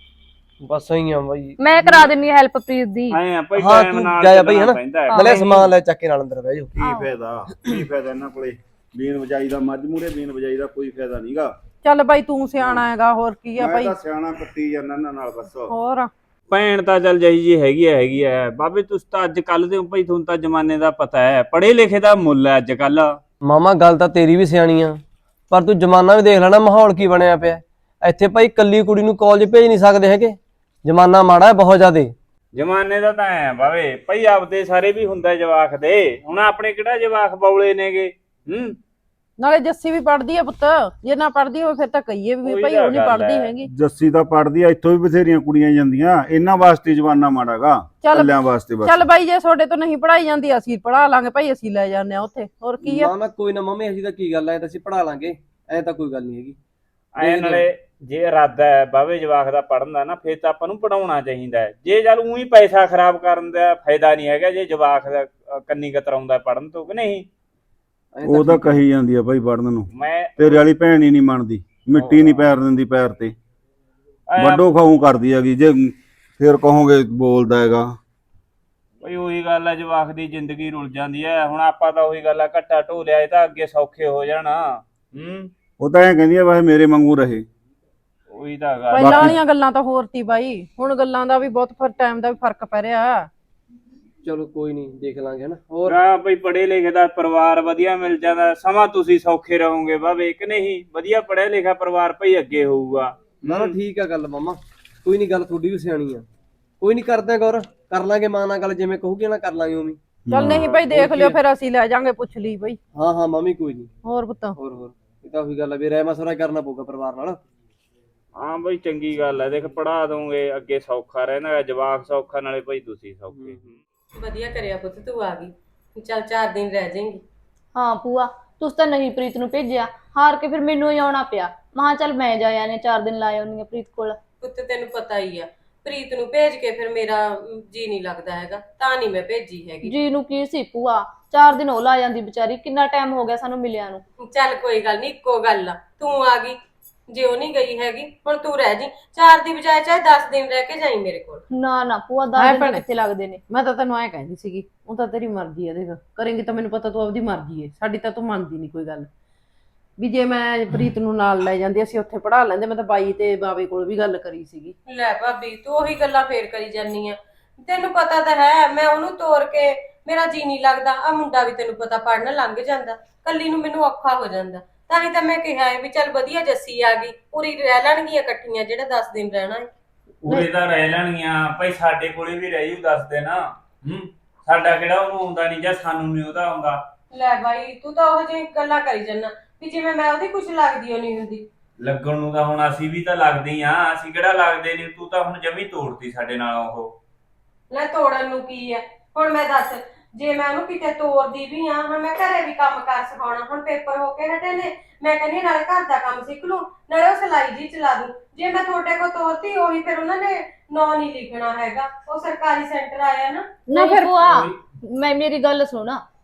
ਬਸ ਐਂ ਆ ਬਾਈ। ਮੈਂ ਕਰਾ ਦਿੰਨੀ ਆ ਹੈਲਪ ਪ੍ਰੀਤ ਦੀ। ਐ ਭਾਈ ਹਾਂ ਟਾਈਮ ਤੂੰ ਨਾਲ ਜਾਇਆ ਬਈ ਚੱਲਣਾ ਹਨਾ, ਪੈਂਦਾ ਹੈ। ਨਾਲੇ ਸਮਾਨ ਲੈ ਚੱਕ ਕੇ ਨਾਲ ਅੰਦਰ ਬਹਿ ਜਾਓ। ਕੀ ਫਾਇਦਾ, ਕੀ ਫਾਇਦਾ ਇਹਨਾਂ ਕੋਲੇ ਬੀਨ ਵਜਾਈ ਦਾ, ਮੱਝ ਮੂਰੇ ਬੀਨ ਵਜਾਈ ਦਾ ਕੋਈ ਫਾਇਦਾ ਨਹੀਂਗਾ। ਚੱਲ ਬਾਈ ਤੂੰ ਸਿਆਣਾ ਹੈਗਾ, ਹੋਰ ਕੀ ਆ ਮੈਂ ਬਾਈ। ਤਾਂ ਸਿਆਣਾ ਕੱਟੀ ਜਾਂਦਾ ਇਹਨਾਂ ਨਾਲ ਬਸ। ਹੋਰ ਭੈਣ ਤਾਂ ਚੱਲ ਜਾਈ ਜੀ ਹੈਗੀ ਹੈ ਹੈਗੀ ਹੈ ਬਾਬੇ, ਤੁਸੀਂ ਤਾਂ ਅੱਜ ਕੱਲ ਦੇ ਹੋ ਭਾਈ, ਤੁਹਾਨੂੰ ਤਾਂ ਜ਼ਮਾਨੇ ਦਾ ਪਤਾ ਹੈ, ਪੜ੍ਹੇ ਲਿਖੇ ਦਾ ਮੁੱਲ ਹੈ ਅੱਜ ਕੱਲ। ਮਾਮਾ ਗੱਲ ਤਾਂ ਤੇਰੀ ਵੀ ਸਿਆਣੀ ਆ, ਪਰ ਤੂੰ ਜ਼ਮਾਨਾ ਵੀ ਦੇਖ ਲੈਣਾ, ਮਾਹੌਲ ਕੀ ਬਣਿਆ ਪਿਆ ਇੱਥੇ। ਭਾਈ ਕੱਲੀ ਕੁੜੀ ਨੂੰ ਕਾਲਜ ਭੇਜ ਨਹੀਂ ਸਕਦੇ ਹੈਗੇ, ਜ਼ਮਾਨਾ ਮਾੜਾ ਹੈ ਬਹੁਤ ਜ਼ਿਆਦੇ। ਜ਼ਮਾਨੇ ਦਾ ਤਾਂ ਐ ਬਾਵੇ ਭਾਈ, ਆਪਦੇ ਸਾਰੇ ਵੀ ਹੁੰਦਾ ਜਵਾਕ ਦੇ, ਹੁਣ ਆਪਣੇ ਕਿਹੜਾ ਜਵਾਕ ਬੌਲੇ ਨੇਗੇ। ਹੂੰ ਨਾਲੇ ਜੱਸੀ ਵੀ ਪੜਦੀ ਆ ਪੁੱਤ, ਜੇ ਨਾ ਪੜਦੀ ਹੋਵੇ ਫਿਰ ਤਾਂ ਕਹੀਏ ਵੀ ਉਹੀ ਭਾਈ ਤਾਂ ਉਹ ਨਹੀਂ ਗੱਲ ਪੜਦੀ ਹੈ। ਹੈਗੀ। ਜੱਸੀ ਤਾਂ ਪੜਦੀ ਆ, ਇੱਥੋਂ ਵੀ ਬਥੇਰੀਆਂ ਕੁੜੀਆਂ ਜਾਂਦੀਆਂ, ਇਹਨਾਂ ਵਾਸਤੇ ਜਵਾਨਾ ਮਾੜਾਗਾ, ਚੱਲ- ਕੱਲਿਆਂ ਵਾਸਤੇ ਬਸ। ਚੱਲ ਬਾਈ ਜੇ ਤੁਹਾਡੇ ਤੋਂ ਨਹੀਂ ਪੜਾਈ ਜਾਂਦੀ ਅਸੀਂ ਪੜਾ ਲਾਂਗੇ ਭਾਈ, ਅਸੀਂ ਲੈ ਜਾਂਦੇ ਆ ਉੱਥੇ, ਹੋਰ ਕੀ ਆ। ਨਾ ਨਾ ਕੋਈ ਨਾ ਮੰਮੀ, ਅਸੀਂ ਤਾਂ ਕੀ ਗੱਲ ਐ, ਤਾਂ ਅਸੀਂ ਪੜਾ ਲਾਂਗੇ, ਐ ਤਾਂ ਕੋਈ ਗੱਲ ਨਹੀਂ ਹੈਗੀ। ਐ ਨਾਲੇ ਜੇ ਇਰਾਦਾ ਹੈ ਬਾਵੇ ਜਵਾਕ ਦਾ ਪੜਨ ਦਾ ਨਾ, ਫਿਰ ਤਾਂ ਆਪਾਂ ਨੂੰ ਪੜਾਉਣਾ ਚਾਹੀਦਾ ਹੈ। ਜੇ ਚੱਲ ਉਹੀ ਪੈਸਾ ਖਰਾਬ ਕਰਨ ਦਾ ਫਾਇਦਾ ਨਹੀਂ ਹੈਗਾ, ਜੇ ਜਵਾਕ ਦਾ ਕੰਨੀ ਕਤਰਾਉਂਦਾ ਪੜਨ ਤੋਂ ਕਿ ਨਹੀਂ। ਉਹ ਤਾਂ ਕਹੀ ਜਾਂਦੀ ਆ ਭਾਈ ਪੜਨ ਨੂੰ, ਮੈਂ ਤੇਰੇ ਵਾਲੀ ਭੈਣ ਹੀ ਨਹੀਂ ਮੰਨਦੀ, ਮਿੱਟੀ ਨਹੀਂ ਪੈਰ ਦਿੰਦੀ ਪੈਰ ਤੇ, ਐਂ ਵੱਡੋ ਖਾਊ ਕਰਦੀ ਹੈਗੀ। ਜੇ ਫਿਰ ਕਹੋਗੇ ਬੋਲਦਾ ਹੈਗਾ। ਬਈ ਉਹੀ ਗੱਲ ਹੈ, ਜਵਾਕ ਦੀ ਜ਼ਿੰਦਗੀ ਰੁਲ ਜਾਂਦੀ ਹੈ। ਹੁਣ ਆਪਾਂ ਤਾਂ ਉਹੀ ਗੱਲ ਆ, ਘੱਟਾ ਢੋਲਿਆ ਇਹ ਤਾਂ ਅੱਗੇ ਸੌਖੇ ਹੋ ਜਾਣਾ। ਹੂੰ ਉਹ ਤਾਂ ਐਂ ਕਹਿੰਦੀ ਆ ਬਸ ਮੇਰੇ ਵਾਂਗੂ ਰਹੇ। ਉਹੀ ਤਾਂ ਗੱਲ। ਪਹਿਲਾਂ ਵਾਲੀਆਂ ਗੱਲਾਂ ਤਾਂ ਹੋਰ ਤੀ ਬਾਈ, ਹੁਣ ਗੱਲਾਂ ਦਾ ਵੀ ਬਹੁਤ ਫਰ ਟਾਈਮ ਦਾ ਵੀ ਫਰਕ ਪੈ ਰਿਹਾ। ਚਲੋ ਕੋਈ ਨਹੀਂ, ਦੇਖ ਲਾਂਗੇ ਹਨਾ। ਹੋਰ ਹਾਂ ਬਈ ਪੜ੍ਹੇ ਲਿਖੇ ਦਾ ਪਰਿਵਾਰ ਵਧੀਆ ਮਿਲ ਜਾਂਦਾ, ਸਮਾਂ ਤੁਸੀਂ ਸੌਖੇ ਰਹੋਗੇ ਬਾਵੇ ਕਿ ਨਹੀਂ। ਵਧੀਆ ਪੜ੍ਹਿਆ ਲਿਖਿਆ ਪਰਿਵਾਰ ਭਈ ਅੱਗੇ ਹੋਊਗਾ। ਨਾ ਨਾ ਠੀਕ ਆ ਗੱਲ ਮਾਮਾ, ਕੋਈ ਨਹੀਂ, ਗੱਲ ਤੁਹਾਡੀ ਵੀ ਸਿਆਣੀ ਆ। ਕੋਈ ਨਹੀਂ, ਕਰਦੇ ਗੌਰ, ਕਰ ਲਾਂਗੇ ਮਾਂ ਨਾਲ ਗੱਲ, ਜਿਵੇਂ ਕਹੂਗੀ ਨਾ ਕਰ ਲਾਂਗੇ ਉਵੇਂ। ਚੱਲ ਨਹੀਂ ਭਾਈ ਦੇਖ ਲਿਓ, ਫਿਰ ਅਸੀਂ ਲੈ ਜਾਾਂਗੇ, ਪੁੱਛ ਲਈ ਬਈ। ਹਾਂ ਹਾਂ ਮਾਮੀ ਕੋਈ ਨਹੀਂ। ਹੋਰ ਪੁੱਤ ਹੋਰ ਹੋਰ ਇਹ ਤਾਂ ਉਹੀ ਗੱਲ ਆ ਵੀ ਰਹਿ ਮਸਵਰਾ ਕਰਨਾ ਪਊਗਾ ਪਰਿਵਾਰ ਨਾਲ। ਹਾਂ ਬਈ ਚੰਗੀ ਗੱਲ ਹੈ, ਦੇਖ ਪੜ੍ਹਾ ਦੋਗੇ ਅੱਗੇ ਸੌਖਾ ਰਹਿੰਦਾ, ਜਵਾਕ ਸੌਖਾ ਨਾਲੇ ਭਾਈ ਤੁਸੀਂ ਸੌਖੇ। ਵਧੀਆ ਕਰਿਆ ਪੁੱਤ, ਤੂੰ ਆ ਗਈ। ਚੱਲ ਚਾਰ ਦਿਨ ਰਹਿ ਜਾਏਂਗੀ। ਹਾਂ ਭੂਆ ਤੁਸੀਂ ਤਾਂ ਨਹੀਂ ਪ੍ਰੀਤ ਨੂੰ ਭੇਜਿਆ, ਹਾਰ ਕੇ ਫਿਰ ਮੈਨੂੰ ਹੀ ਆਉਣਾ ਪਿਆ। ਮਹਾ ਚੱਲ ਮੈਂ ਜਾ ਆਨੇ ਚਾਰ ਦਿਨ ਲਾ ਆਉਣੀ ਆ ਪ੍ਰੀਤ ਕੋਲ। ਪੁੱਤ ਤੈਨੂੰ ਪਤਾ ਹੀ ਆ, ਪ੍ਰੀਤ ਨੂੰ ਭੇਜ ਕੇ ਫਿਰ ਮੇਰਾ ਜੀ ਨਹੀਂ ਲੱਗਦਾ ਹੈਗਾ, ਤਾਂ ਨਹੀਂ ਮੈਂ ਭੇਜੀ ਹੈਗੀ। ਜੀ ਨੂੰ ਕੀ ਸੀ ਭੂਆ, ਚਾਰ ਦਿਨ ਉਹ ਲਾ ਜਾਂਦੀ ਵਿਚਾਰੀ, ਕਿੰਨਾ ਟਾਈਮ ਹੋ ਗਿਆ ਸਾਨੂੰ ਮਿਲਿਆ ਨੂੰ। ਚੱਲ ਕੋਈ ਗੱਲ ਨਹੀਂ, ਇੱਕੋ ਗੱਲ ਆ, ਤੂੰ ਆ ਗਈ, ਜੇ ਉਹ ਨਹੀਂ ਗਈ ਹੈਗੀ ਹੁਣ ਤੂੰ ਰਹਿ ਜੀ। ਚਾਰ ਦੀ ਬਜਾਏ ਚਾਹੇ ਦਸ ਦਿਨ ਰਹਿ ਕੇ ਜਾਈ ਮੇਰੇ ਕੋਲ। ਨਾ ਨਾ ਭੂਆ ਹੈ ਦਸ ਦਿਨ ਭੈਣੇ। ਕਿੱਥੇ ਲੱਗਦੇ ਨੇ। ਮੈਂ ਤਾਂ ਤੈਨੂੰ ਐਂ ਕਹਿੰਦੀ ਸੀਗੀ, ਉਹ ਤਾਂ ਤੇਰੀ ਮਰਜ਼ੀ ਆ, ਦੇਖ ਕਰੇਂਗੀ ਤਾਂ ਮੈਨੂੰ ਪਤਾ ਤੂੰ ਆਪਦੀ ਮਰਜ਼ੀ ਏ, ਸਾਡੀ ਤਾਂ ਤੂੰ ਮੰਨਦੀ ਨਹੀਂ ਕੋਈ ਗੱਲ ਵੀ। ਜੇ ਮੈਂ ਪ੍ਰੀਤ ਨੂੰ ਨਾਲ ਲੈ ਜਾਂਦੀ ਅਸੀਂ ਉੱਥੇ ਪੜਾ ਲੈਂਦੇ। ਮੈਂ ਤਾਂ ਬਾਈ ਤੇ ਬਾਵੇ ਕੋਲ ਵੀ ਗੱਲ ਕਰੀ ਸੀਗੀ। ਲੈ ਭਾਬੀ ਤੂੰ ਉਹੀ ਗੱਲਾਂ ਫੇਰ ਕਰੀ ਜਾਨੀ ਆ, ਤੈਨੂੰ ਪਤਾ ਤਾਂ ਹੈ ਮੈਂ ਉਹਨੂੰ ਤੋਰ ਕੇ ਮੇਰਾ ਜੀ ਨਹੀਂ ਲੱਗਦਾ। ਆ ਮੁੰਡਾ ਵੀ ਤੈਨੂੰ ਪਤਾ ਪੜਨ ਲੰਘ ਜਾਂਦਾ, ਕੱਲੀ ਨੂੰ ਮੈਨੂੰ ਔਖਾ ਹੋ ਜਾਂਦਾ। ਤਾਂ ਹੀ ਤਾਂ ਮੈਂ ਕਿਹਾ ਹੈ ਵੀ ਚੱਲ ਵਧੀਆ ਜੱਸੀ ਆ ਗਈ, ਪੂਰੀ ਰਹਿ ਲੈਣਗੀਆਂ ਇਕੱਠੀਆਂ ਜਿਹੜਾ ਦਸ ਦਿਨ ਰਹਿਣਾ ਹੈ। ਉਰੇ ਤਾਂ ਰਹਿ ਲੈਣਗੀਆਂ ਭਾਈ, ਸਾਡੇ ਕੋਲੇ ਵੀ ਰਹਿ ਜੂ ਦੱਸ ਦੇ ਨਾ। ਹੂੰ ਸਾਡਾ ਕਿਹੜਾ ਉਹਨੂੰ ਆਉਂਦਾ ਨਹੀਂ ਜਾਂ ਸਾਨੂੰ ਨਹੀਂ ਉਹਦਾ ਆਉਂਦਾ। ਲੈ ਬਾਈ ਤੂੰ ਤਾਂ ਉਹ ਜਿਹੀ ਗੱਲਾਂ ਕਰੀ ਜਾਂਦਾ ਵੀ ਜਿਵੇਂ ਮੈਂ ਉਹਦੀ ਕੁਛ ਲੱਗਦੀ ਉਹ ਨਹੀਂ ਹੁੰਦੀ। ਲੱਗਣ ਨੂੰ ਤਾਂ ਹੁਣ ਅਸੀਂ ਵੀ ਤਾਂ ਲੱਗਦੇ ਆ, ਅਸੀਂ ਕਿਹੜਾ ਲੱਗਦੇ ਨਹੀਂ। ਤੂੰ ਤਾਂ ਹੁਣ ਜਮੀ ਤੋੜਤੀ ਸਾਡੇ ਨਾਲ ਉਹ। ਲੈ ਤੋੜਨ ਨੂੰ ਕੀ ਹੈ, ਹੁਣ ਮੈਂ ਦੱਸ ਜੇ ਮੈਂ ਉਹਨੂੰ ਕਿਤੇ ਤੋਰਦੀ ਵੀ ਆ, ਹੁਣ ਮੈਂ ਘਰੇ ਵੀ ਕੰਮ ਕਰ ਸਿਖਾਉਣਾ। ਹੁਣ ਪੇਪਰ ਹੋ ਕੇ ਹਟੇ ਨੇ, ਮੈਂ ਕਹਿੰਦੀ ਨਾਲੇ ਘਰ ਦਾ ਕੰਮ ਸਿੱਖ ਲੂੰ ਨਾਲੇ ਉਹ ਸਿਲਾਈ ਜੀ ਚਲਾ ਦੂੰ। ਜੇ ਮੈਂ ਤੁਹਾਡੇ ਕੋਲ ਤੋਰਤੀ ਉਹੀ ਫਿਰ ਉਹਨਾਂ ਨੇ ਨਾਂ ਨਹੀਂ ਲਿਖਣਾ ਹੈਗਾ, ਉਹ ਸਰਕਾਰੀ ਸੈਂਟਰ ਆਇਆ ਨਾ। ਨਹੀਂ ਭੂਆ ਮੈਂ ਮੇਰੀ ਗੱਲ ਸੁਣਾ,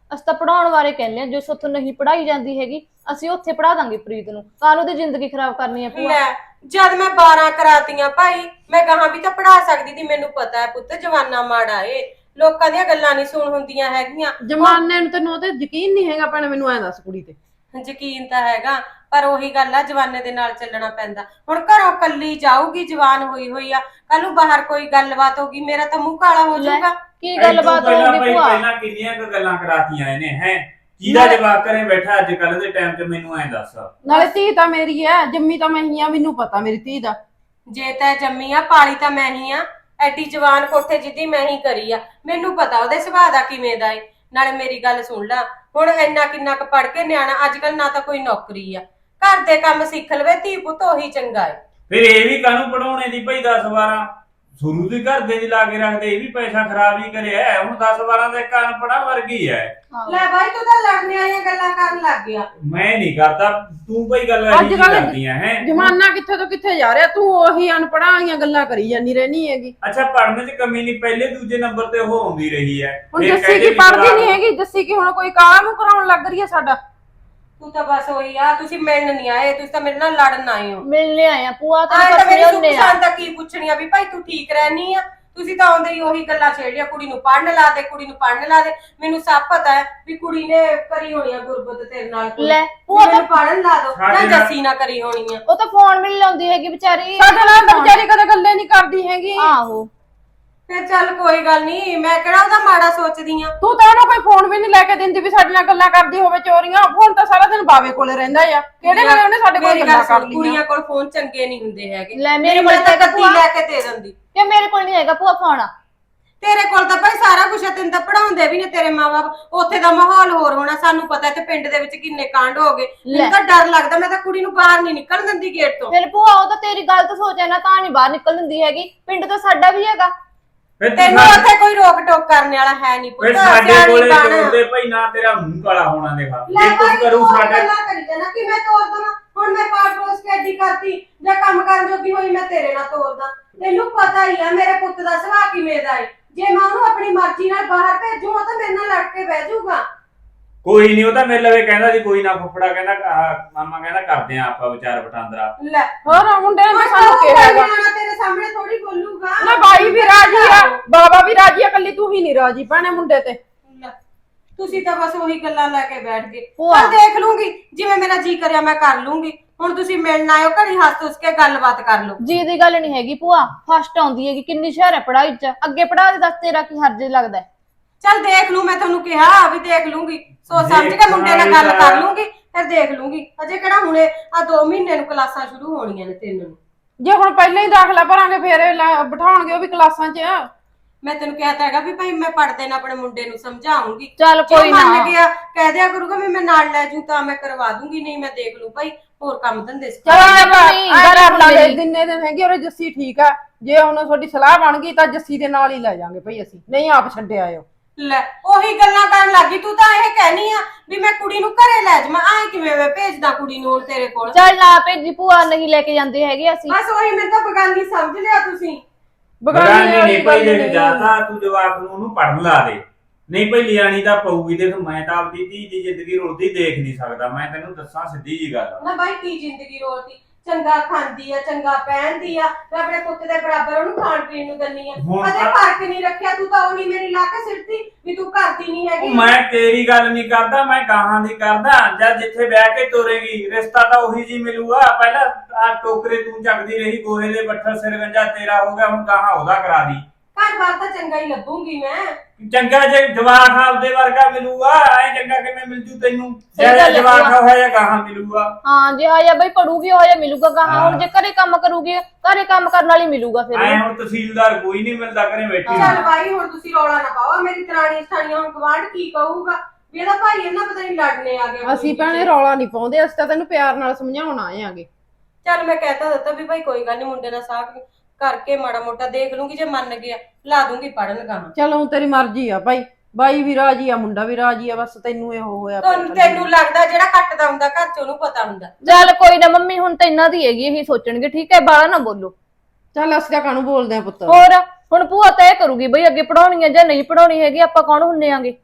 ਅਸੀਂ ਤਾਂ ਪੜਾਉਣ ਬਾਰੇ ਕਹਿੰਦੇ ਆ, ਜੋ ਸੋਥੋਂ ਨਹੀਂ ਪੜਾਈ ਜਾਂਦੀ ਹੈਗੀ ਅਸੀਂ ਉੱਥੇ ਪੜਾ ਦਾਂਗੇ ਪ੍ਰੀਤ ਨੂੰ, ਕਾਹਨੂੰ ਦੀ ਜ਼ਿੰਦਗੀ ਖਰਾਬ ਕਰਨੀ ਹੈ ਭੂਆ। ਲੈ ਜਦ ਮੈਂ ਬਾਰਾਂ ਕਰਾਤੀਆਂ ਭਾਈ, ਮੈਂ ਗਾਹਾਂ ਵੀ ਤਾਂ ਪੜਾ ਸਕਦੀ ਸੀ। ਮੈਨੂੰ ਪਤਾ ਹੈ ਪੁੱਤ ਜਵਾਨਾ ਮਾੜਾ ਏ, ਲੋਕਾਂ ਦੀਆਂ ਗੱਲਾਂ ਨਹੀਂ ਸੁਣ ਹੁੰਦੀਆਂ ਹੈਗੀਆਂ। ਜਮਾਨੇ ਨੂੰ ਤੈਨੂੰ ਉਹਤੇ ਯਕੀਨ ਨਹੀਂ ਹੈਗਾ ਭੈਣੇ, ਮੈਨੂੰ ਐਂ ਦੱਸ ਕੁੜੀ ਤੇ। ਯਕੀਨ ਤਾਂ ਹੈਗਾ, ਪਰ ਉਹੀ ਗੱਲ ਆ ਜਵਾਨੇ ਦੇ ਨਾਲ ਚੱਲਣਾ ਪੈਂਦਾ। ਹੁਣ ਘਰੋਂ ਕੱਲੀ ਜਾਊਗੀ, ਜਵਾਨ ਹੋਈ ਹੋਈ ਆ, ਕੱਲ ਨੂੰ ਬਾਹਰ ਕੋਈ ਗੱਲਬਾਤ ਹੋਗੀ, ਮੇਰਾ ਤਾਂ ਮੂੰਹ ਕਾਲਾ ਹੋ ਜਾਊਗਾ। ਕੀ ਗੱਲਬਾਤ ਹੋਊਗੀ ਭੂਆ? ਪਹਿਲਾਂ ਕਿੰਨੀਆਂ ਕੁ ਗੱਲਾਂ ਕਰਾਤੀਆਂ ਇਹਨੇ ਹੈ, ਕਿਹਦਾ ਜਵਾਬ ਕਰੇ ਬੈਠਾ ਅੱਜ ਕੱਲ ਦੇ ਟਾਈਮ 'ਚ, ਮੈਨੂੰ ਐਂ ਦੱਸ। ਨਾਲੇ ਧੀ ਤਾਂ ਮੇਰੀ ਐ, ਜੰਮੀ ਤਾਂ ਮੈਂ ਹੀ ਆ, ਮੈਨੂੰ ਪਤਾ ਮੇਰੀ ਧੀ ਦਾ। ਜੇ ਤੈ ਜੰਮੀ ਆ ਪਾਲੀ ਤਾਂ ਮੈਂ ਹੀ ਆ, ਐਡੀ ਜਵਾਨ ਕੋਠੇ ਜਿੱਦੀ ਮੈਂ ਹੀ ਕਰੀ ਆ, ਮੈਨੂੰ ਪਤਾ ਉਹਦੇ ਸੁਭਾਅ ਦਾ ਕਿਵੇਂ ਦਾ ਏ। ਨਾਲੇ ਮੇਰੀ ਗੱਲ ਸੁਣ ਲੈ, ਹੁਣ ਇੰਨਾ ਕਿੰਨਾ ਕੁ ਪੜ ਕੇ ਨਿਆਣਾ ਅੱਜ ਕੱਲ ਨਾ ਤਾਂ ਕੋਈ ਨੌਕਰੀ ਆ, ਘਰ ਦੇ ਕੰਮ ਸਿੱਖ ਲਵੇ ਧੀ ਪੁੱਤ ਉਹੀ ਚੰਗਾ ਏ। ਫਿਰ ਇਹ ਵੀ ਕਾਹਨੂੰ ਪੜਾਉਣੇ ਦੀ ਭਾਈ ਦਸ ਬਾਰਾਂ ਸ਼ੁਰੂ ਦੀ ਘਰ ਦੇ ਦੀ ਲਾ ਕੇ ਰੱਖਦੇ, ਇਹ ਵੀ ਪੈਸਾ ਖਰਾਬ ਹੀ ਕਰਿਆ। ਹੁਣ ਦਸ ਬਾਰਾਂ ਦੇ ਕੰਨ ਪੜਾ ਵਰਗੀ ਹੈ। ਲੈ ਬਾਈ ਤੂੰ ਤਾਂ ਲੜਨੇ ਵਾਲੀਆਂ ਗੱਲਾਂ ਕਰਨ ਲੱਗ ਗਿਆ। ਮੈਂ ਨਹੀਂ ਕਰਦਾ, ਤੂੰ ਭਾਈ ਗੱਲ ਅੱਜ ਕੱਲ੍ਹ ਕਰਦੀਆਂ ਹੈ। ਜਮਾਨਾ ਕਿੱਥੇ ਤੋਂ ਕਿੱਥੇ ਜਾ ਰਿਹਾ, ਤੂੰ ਉਹੀ ਅਨਪੜ੍ਹਾਂ ਵਾਲੀਆਂ ਗੱਲਾਂ ਕਰੀ ਜਾਂਦੀ ਰਹਿਣੀ ਹੈਗੀ। ਅੱਛਾ ਪੜ੍ਹਨ 'ਚ ਕਮੀ ਨਹੀਂ, ਪਹਿਲੇ ਦੂਜੇ ਨੰਬਰ ਤੇ ਉਹ ਆਉਂਦੀ ਰਹੀ ਹੈ। ਹੁਣ ਫਿਰ ਜੱਸੀ ਕਹਿੰਦੇ ਕੀ ਵੀ ਪੜ੍ਹਦੀ ਜਵਾਕ- ਨਹੀਂ ਹੈਗੀ, ਜੱਸੀ ਕੀ ਹੁਣ ਕੋਈ ਕਾਲਾ ਨੂੰ ਕਰਾਉਣ ਲੱਗ ਰਹੀ ਹੈ ਸਾਡਾ। ਤੂੰ ਤਾਂ ਬਸ ਉਹੀ ਆ, ਤੁਸੀਂ ਮਿਲਣ ਨਹੀਂ ਆਏ, ਤੁਸੀਂ ਤਾਂ ਮੇਰੇ ਨਾਲ ਲੜਨ ਆਏ ਹੋ। ਮਿਲਨੇ ਆਇਆ ਭੂਆ, ਆਏ ਤਾਂ ਮੇਰੀ ਤੈਨੂੰ ਸੁੱਖ ਹੁੰਨੇ ਆ। ਸ਼ਾਂਤ ਤਾਂ ਕੀ ਪੁੱਛਣੀ ਆ ਵੀ ਭਾਈ ਤੂੰ ਠੀਕ ਰਹਿਨੀ ਆ। ਤੁਸੀਂ ਤਾਂ ਆਉਂਦੇ ਹੀ ਉਹੀ ਗੱਲਾਂ ਛੇੜੀਆਂ, ਕੁੜੀ ਨੂੰ ਪੜਨ ਲਾ ਦੇ, ਕੁੜੀ ਨੂੰ ਪੜਨ ਲਾ ਦੇ। ਮੈਨੂੰ ਸਭ ਪਤਾ ਹੈ ਵੀ ਕੁੜੀ ਨੇ ਕਰੀ ਹੋਣੀ ਆ ਗੁਰਬਤ ਤੇਰੇ ਨਾਲ ਕੋਈ। ਲੈ ਭੂਆ ਤਾਂ ਮੈਨੂੰ ਪੜਨ ਲਾ ਦੋ, ਸਾਡੇ ਜਾਂ ਨਾਲ- ਜੱਸੀ ਨਾ ਕਰੀ ਹੋਣੀ ਆ। ਉਹ ਤਾਂ ਫੋਨ ਵੀ ਨੀ ਲਾਉਂਦੀ ਹੈਗੀ ਵਿਚਾਰੀ। ਸਾਡੇ ਨਾਲ ਤਾਂ ਵਿਚਾਰੀ ਕਦੇ ਗੱਲੇ ਨਹੀਂ ਕਰਦੀ ਹੈਗੀ। ਆਹੋ ਫਿਰ ਚੱਲ ਕੋਈ ਗੱਲ ਨਹੀਂ, ਮੈਂ ਕਿਹੜਾ ਉਹਦਾ ਮਾੜਾ ਸੋਚਦੀ ਆ। ਤੂੰ ਤਾਂ ਉਹਨੂੰ ਕੋਈ ਫੋਨ ਵੀ ਨਹੀਂ ਲੈ ਕੇ ਦਿੰਦੀ ਵੀ ਸਾਡੇ ਨਾਲ ਗੱਲਾਂ ਕਰਦੀ ਹੋਵੇ ਚੋਰੀਆਂ। ਫੋਨ ਤਾਂ ਸਾਰਾ ਦਿਨ ਬਾਵੇ ਕੋਲੇ ਰਹਿੰਦਾ ਆ, ਕਿਹੜੇ ਵੇਲੇ ਉਹਨੇ ਸਾਡੇ ਕੋਲ ਮੇਰੀ ਗੱਲਾਂ ਗੱਲ ਕਰ ਸੁਣ, ਲਈਆਂ। ਕੁੜੀਆਂ ਕੋਲ ਫੋਨ ਚੰਗੇ ਨਹੀਂ ਹੁੰਦੇ ਹੈਗੇ। ਲੈ ਮੇਰੇ ਮੈਂ ਕੋਲ ਤਾਂ ਤਾਂ ਗੱਦੀ ਭੂਆ- ਲੈ ਕੇ ਦੇ ਦਿੰਦੀ। ਕਿ ਮੇਰੇ ਕੋਲ ਨਹੀਂ ਹੈਗਾ ਭੂਆ ਫੋਨ। ਤੇਰੇ ਕੋਲ ਤਾਂ ਭਾਈ ਸਾਰਾ ਕੁਝ ਹੈ, ਤੈਨੂੰ ਤਾਂ ਪੜਾਉਂਦੇ ਵੀ ਨੇ ਤੇਰੇ ਮਾਪੇ। ਉੱਥੇ ਦਾ ਮਾਹੌਲ ਹੋਰ ਹੋਣਾ, ਸਾਨੂੰ ਪਤਾ ਇੱਥੇ ਪਿੰਡ ਦੇ ਵਿੱਚ ਕਿੰਨੇ ਕਾਂਡ ਹੋ ਗਏ। ਮੈਨੂੰ ਤਾਂ ਡਰ ਲੱਗਦਾ, ਮੈਂ ਤਾਂ ਕੁੜੀ ਨੂੰ ਬਾਹਰ ਨਹੀਂ ਨਿਕਲਣ ਦਿੰਦੀ ਗੇਟ ਤੋਂ। ਫਿਰ ਭੂਆ ਉਹ ਤਾਂ ਤੇਰੀ ਗਲਤ ਸੋਚ ਹੈ ਨਾ, ਤਾਂ ਨਹੀਂ ਬਾਹਰ ਨਿਕਲ ਦਿੰਦੀ ਹੈਗੀ। ਪਿੰਡ ਤਾਂ ਸਾਡਾ ਵੀ ਹੈਗਾ। ਫਿਰ ਤੂੰ ਤੈਨੂੰ ਸਾਡੇ- ਉੱਥੇ ਕੋਈ ਰੋਕ ਟੋਕ ਕਰਨ ਵਾਲਾ ਹੈ ਨਹੀਂ ਫਿਰ ਪੁੱਤ। ਸਾਡੇ ਸਿਆਣੀ ਕੋਲੇ ਬਣ। ਜੋੜਦੇ ਭਾਈ ਨਾ, ਤੇਰਾ ਮੂੰਹ ਕਾਲਾ ਹੋਣਾ ਦੇਖਾ। ਲੈ ਜੇ ਕੁਝ ਭਾਈ ਕਰੂ ਤੂੰ ਸਾਡੇ ਗੱਲਾਂ ਕਰੀ ਜਾਣਾ ਕਿ ਮੈਂ ਤੋੜ ਦਵਾਂ। ਹੁਣ ਮੈਂ ਪਾਠ ਪੋਸ ਕੇ ਐਡੀ ਕਰਤੀ ਜਾਂ ਕੰਮ ਕਰਨ ਜੋਗੀ ਹੋਈ, ਮੈਂ ਤੇਰੇ ਨਾਲ ਤੋੜਦਾ। ਤੈਨੂੰ ਪਤਾ ਹੀ ਆ ਮੇਰੇ ਪੁੱਤ ਦਾ ਸੁਭਾਅ ਕਿਵੇਂ ਦਾ ਏ। ਜੇ ਮੈਂ ਉਹਨੂੰ ਆਪਣੀ ਮਰਜ਼ੀ ਨਾਲ ਬਾਹਰ ਭੇਜੂ, ਉਹ ਤਾਂ ਮੇਰੇ ਨਾਲ ਲੜ ਕੇ ਬਹਿ ਜਾਊਗਾ। ਕੋਈ ਨਹੀਂ, ਉਹ ਤਾਂ ਮੇਰੇ ਲਵੇ ਕਹਿੰਦਾ ਸੀ ਕੋਈ ਨਾ, ਫੁੱਫੜਾ ਕਹਿੰਦਾ ਆਹ ਮਾਮਾ ਕਹਿੰਦਾ ਕਰਦੇ ਆ ਆਪਾਂ ਵਿਚਾਰ ਵਟਾਂਦਰਾ। ਲੈ ਹੋਰ ਮੁੰਡੇ ਨੇ ਹੁਣ ਸਾਨੂੰ ਤਾਂ ਕਿਹਾ ਹੈਗਾ ਨਿਆਣਾ ਤੇਰੇ ਸਾਹਮਣੇ ਥੋੜੀ ਬੋਲੂਗਾ। ਨਾ, ਬਾਈ ਵੀ ਰਾਜੀ ਆ, ਬਾਬਾ ਵੀ ਰਾਜੀ ਆ, ਕੱਲੀ ਤੂੰ ਹੀ ਨਹੀਂ ਰਾਜੀ ਭੈਣੇ ਮੁੰਡੇ ਤੇ। ਲੈ, ਤੁਸੀਂ ਤਾਂ ਬਸ ਉਹੀ ਗੱਲਾਂ ਲੈ ਕੇ ਬੈਠ ਗਏ। ਭੂਆ। ਪਰ ਦੇਖ ਲੂੰਗੀ, ਜਿਵੇਂ ਮੇਰਾ ਜੀ ਕਰਿਆ ਮੈਂ ਕਰ ਲੂੰਗੀ। ਹੁਣ ਤੁਸੀਂ ਮਿਲਣ ਆਇਓ, ਘੜੀ ਹੱਸ ਹੱਸ ਕੇ ਗੱਲਬਾਤ ਕਰ ਲਓ। ਜੀ ਦੀ ਗੱਲ ਨਹੀਂ ਹੈਗੀ ਭੂਆ, ਫਸਟ ਆਉਂਦੀ ਹੈਗੀ, ਕਿੰਨੀ ਹੁਸ਼ਿਆਰ ਹੈ ਪੜਾਈ ਚ। ਅੱਗੇ ਪੜਾ ਦੇ, ਦੱਸ ਤੇਰਾ ਕੀ ਹਰਜ ਲੱਗਦਾ ਹੈ? ਚੱਲ ਦੇਖ ਲੂ, ਮੈਂ ਤੁਹਾਨੂੰ ਕਿਹਾ ਵੀ ਦੇਖ ਲੂੰਗੀ, ਸੋਚ ਸਮਝ ਕੇ ਮੁੰਡੇ ਨਾਲ ਗੱਲ ਕਰ ਲੂੰਗੀ, ਫਿਰ ਦੇਖ ਲੂੰਗੀ। ਅਜੇ ਕਿਹੜਾ ਹੁਣੇ ਆ ਦੋ ਮਹੀਨੇ ਨੂੰ ਕਲਾਸਾਂ ਸ਼ੁਰੂ ਹੋਣੀਆਂ ਨੇ ਤਿੰਨ ਨੂੰ। ਜੇ ਹੁਣ ਪਹਿਲਾਂ ਹੀ ਦਾਖਲਾ ਭਰਾਂਗੇ ਫੇਰ ਇਹ ਲਾ- ਬਿਠਾਉਣਗੇ ਉਹ ਵੀ ਕਲਾਸਾਂ 'ਚ। ਮੈਂ ਤੈਨੂੰ ਕਿਹਾ ਤਾਂ ਹੈਗਾ ਵੀ ਭਾਈ ਮੈਂ ਪੜਦੇ ਨਾ ਆਪਣੇ ਮੁੰਡੇ ਨੂੰ ਸਮਝਾਉਂਗੀ। ਚੱਲ ਜੇ ਕੋਈ ਨਾ। ਮੰਨ ਗਿਆ ਕਹਿ ਦਿਆ ਕਰੂਗਾ ਵੀ ਮੈਂ ਨਾਲ ਲੈ ਜੂ ਤਾਂ ਮੈਂ ਕਰਵਾ ਦੂੰਗੀ, ਨਹੀਂ ਮੈਂ ਦੇਖ ਲੂ ਭਾਈ ਹੋਰ ਕੰਮ ਧੰਦੇ ਸਿੱਖ। ਚਲ ਨਹੀਂ, ਗੱਲ ਕਰ ਲਾਂਗੇ, ਮੇਰੀ। ਜਿੰਨੇ ਦਿਨ ਹੈਗੇ ਉਹ ਜੱਸੀ ਠੀਕ ਆ। ਜੇ ਹੁਣ ਤੁਹਾਡੀ ਸਲਾਹ ਬਣ ਗਈ ਤਾਂ ਜੱਸੀ ਦੇ ਨਾਲ ਹੀ ਲੈ ਜਾਾਂਗੇ ਭਈ, ਅਸੀਂ ਨਹੀਂ ਆਪ ਛੱਡ ਆਇਓ। ਲੈ ਉਹੀ ਗੱਲਾਂ ਕਰਨ ਲੱਗੀ ਤੂੰ ਤਾਂ। ਇਹ ਕਹਿਨੀ ਆ ਵੀ ਮੈਂ ਕੁੜੀ ਨੂੰ ਘਰੇ ਲੈ ਜਾਵਾਂ, ਆਏ ਕਿਵੇਂ ਮੈਂ ਭੇਜਦਾ ਕੁੜੀ ਨੂੰ ਹੁਣ ਤੇਰੇ ਕੋਲ। ਚੱਲ ਨਾ ਭੇਜੀ ਭੂਆ, ਨਹੀਂ ਲੈ ਕੇ ਜਾਂਦੇ ਹੈਗੇ ਅਸੀਂ। ਬਸ ਉਹੀ ਮੈਨੂੰ ਤਾਂ ਬਗਾਨੀ ਸਮਝ ਲਿਆ ਤੁਸੀਂ। ਬਗਾਨੀ ਨਹੀਂ ਭਾਈ, ਜੇ ਜਾਤਾ ਤੂੰ ਜਵਾਕ ਨੂੰ ਉਹਨੂੰ ਪੜਨ ਲਾ ਦੇ, ਨਹੀਂ ਭਾਈ ਲਿਆਣੀ ਤਾਂ ਪਊਗੀ। ਦੇਖ ਮੈਂ ਤਾਂ ਆਪਦੀ ਧੀ ਦੀ ਜ਼ਿੰਦਗੀ ਰੁਲਦੀ ਦੇਖ ਨਹੀਂ ਸਕਦਾ, ਮੈਂ ਤੈਨੂੰ ਦੱਸਾਂ ਸਿੱਧੀ ਜੀ ਗੱਲ। ਨਾ ਬਾਈ ਕੀ ਜ਼ਿੰਦਗੀ ਰੋਲਦੀ, ਚੰਗਾ ਖਾਂਦੀ ਆ, ਚੰਗਾ ਪਹਿਨਦੀ ਆ, ਮੈਂ ਆਪਣੇ ਪੁੱਤ ਦੇ ਬਰਾਬਰ ਉਹਨੂੰ ਖਾਣ ਪੀਣ ਨੂੰ ਦਿੰਨੀ ਆ। ਹੁਣ ਕਦੇ ਤਾਂ- ਫਰਕ ਨਹੀਂ ਰੱਖਿਆ, ਤੂੰ ਤਾਂ ਉਹੀ ਮੇਰੀ ਲਾ ਕੇ ਸਿੱਟਦੀ ਵੀ ਤੂੰ ਕਰਦੀ ਨਹੀਂ ਉਹ ਹੈਗੀ। ਮੈਂ ਤੇਰੀ ਗੱਲ ਨਹੀਂ ਕਰਦਾ, ਮੈਂ ਗਾਹਾਂ ਦੀ ਕਰਦਾ। ਜਦ ਜਿੱਥੇ ਵਿਆਹ ਕੇ ਤੋਰੇਗੀ ਰਿਸ਼ਤਾ ਤਾਂ ਉਹੀ ਜੀ ਮਿਲੂਗਾ। ਪਹਿਲਾਂ ਆ ਟੋਕਰੇ ਤੂੰ ਚੱਕਦੀ ਰਹੀ, ਗੋਹੇ ਦੇ ਬੱਠਲ ਸਿਰ ਗੰਜਾ ਤੇਰਾ ਹੋ ਗਿਆ, ਹੁਣ ਗਾਹਾਂ ਉਹਦਾ ਕਰਾ ਦੀ। ਘਰ ਬਾਰ ਤਾਂ ਚੰਗਾ ਹੀ ਲੱਭੂਗੀ ਮੈਂ। ਚੰਗਾ ਜੇ ਜਵਾਕ ਆਪਦੇ ਵਰਗਾ ਮਿਲੂਗਾ, ਐ ਚੰਗਾ ਕਿਵੇਂ ਮਿਲ ਜੂ ਤੈਨੂੰ? ਸਹੀ ਗੱਲ ਜਿਹੜਾ ਹੈ ਜਵਾਕ ਭੂਆ। ਹੋਇਆ ਗਾਹਾਂ ਮਿਲੂਗਾ। ਹਾਂ ਜੇ ਆਇਆ ਬਈ ਪੜੂਗੀ, ਹੋਇਆ ਮਿਲੂਗਾ ਗਾਹਾਂ। ਹੁਣ ਹਾਂ। ਜੇ ਘਰੇ ਕੰਮ ਕਰੂਗੀ, ਘਰੇ ਕੰਮ ਕਰਨ ਵਾਲੀ ਮਿਲੂਗਾ ਫਿਰ। ਐ ਹੁਣ ਤਹਿਸੀਲਦਾਰ ਕੋਈ ਨਹੀਂ ਮਿਲਦਾ ਘਰੇ ਬੈਠੀ ਹਾਂ। ਚੱਲ ਬਾਈ ਹੁਣ ਤੁਸੀਂ ਰੌਲਾ ਨਾ ਪਾਓ, ਮੇਰੀ ਦਰਾਣੀ ਸਠਾਣੀਆਂ ਹੁਣ ਗਵਾਂਢ ਕੀ ਕਹੂਗਾ ਵੀ ਇਹਦਾ ਭਾਈ ਇਹਨਾਂ ਪਤਾ ਨਹੀਂ ਲੜਨੇ ਆ ਗਿਆ। ਅਸੀਂ ਭੈਣੇ ਰੌਲਾ ਨਹੀਂ ਪਾਉਂਦੇ, ਅਸੀਂ ਤਾਂ ਤੈਨੂੰ ਪਿਆਰ ਨਾਲ ਸਮਝਾਉਣ ਆਏ ਆਂਗੇ। ਚੱਲ ਮੈਂ ਕਹਿਤਾ ਦਿੱਤਾ ਵੀ ਭਾਈ ਕੋਈ ਗੱਲ ਨਹੀਂ, ਮੁੰਡੇ ਨਾਲ ਸਾਥ ਕਰਕੇ ਮਾੜਾ ਮੋਟਾ ਦੇਖ ਲੂੰਗੀ, ਜੇ ਮੰਨ ਗਿਆ ਲਾ ਦੂੰਗੀ ਪੜਨ ਗਾਹਾਂ। ਚਲੋ ਤੇਰੀ ਮਰਜ਼ੀ ਆ ਭਾਈ, ਬਾਈ ਵੀ ਰਾਜੀ ਆ, ਮੁੰਡਾ ਵੀ ਰਾਜੀ ਆ, ਬਸ ਤੈਨੂੰ ਇਹੋ ਹੋਇਆ ਪਿਆ ਤੁਹਾਨੂੰ ਤੈਨੂੰ ਲੱਗਦਾ ਜਿਹੜਾ ਕੱਟਦਾ ਹੁੰਦਾ ਘਰ ਚ ਉਹਨੂੰ ਪਤਾ ਹੁੰਦਾ। ਚੱਲ ਕੋਈ ਨਾ ਮੰਮੀ, ਹੁਣ ਤਾਂ ਇਹਨਾਂ ਦੀ ਹੈਗੀ, ਇਹੀ ਸੋਚਣਗੇ। ਠੀਕ ਹੈ, ਬਾਹਲਾ ਨਾ ਬੋਲੋ। ਚੱਲ ਅਸੀਂ ਤਾਂ ਕਾਹਨੂੰ ਬੋਲਦੇ ਆ ਪੁੱਤ। ਹੋਰ ਹੁਣ ਭੂਆ ਤੈਅ ਕਰੂਗੀ ਬਈ ਅੱਗੇ ਪੜਾਉਣੀ ਹੈ ਜਾਂ ਨਹੀਂ ਪੜਾਉਣੀ ਹੈਗੀ, ਆਪਾਂ ਕੌਣ ਹੁੰਨੇ ਆਂਗੇ।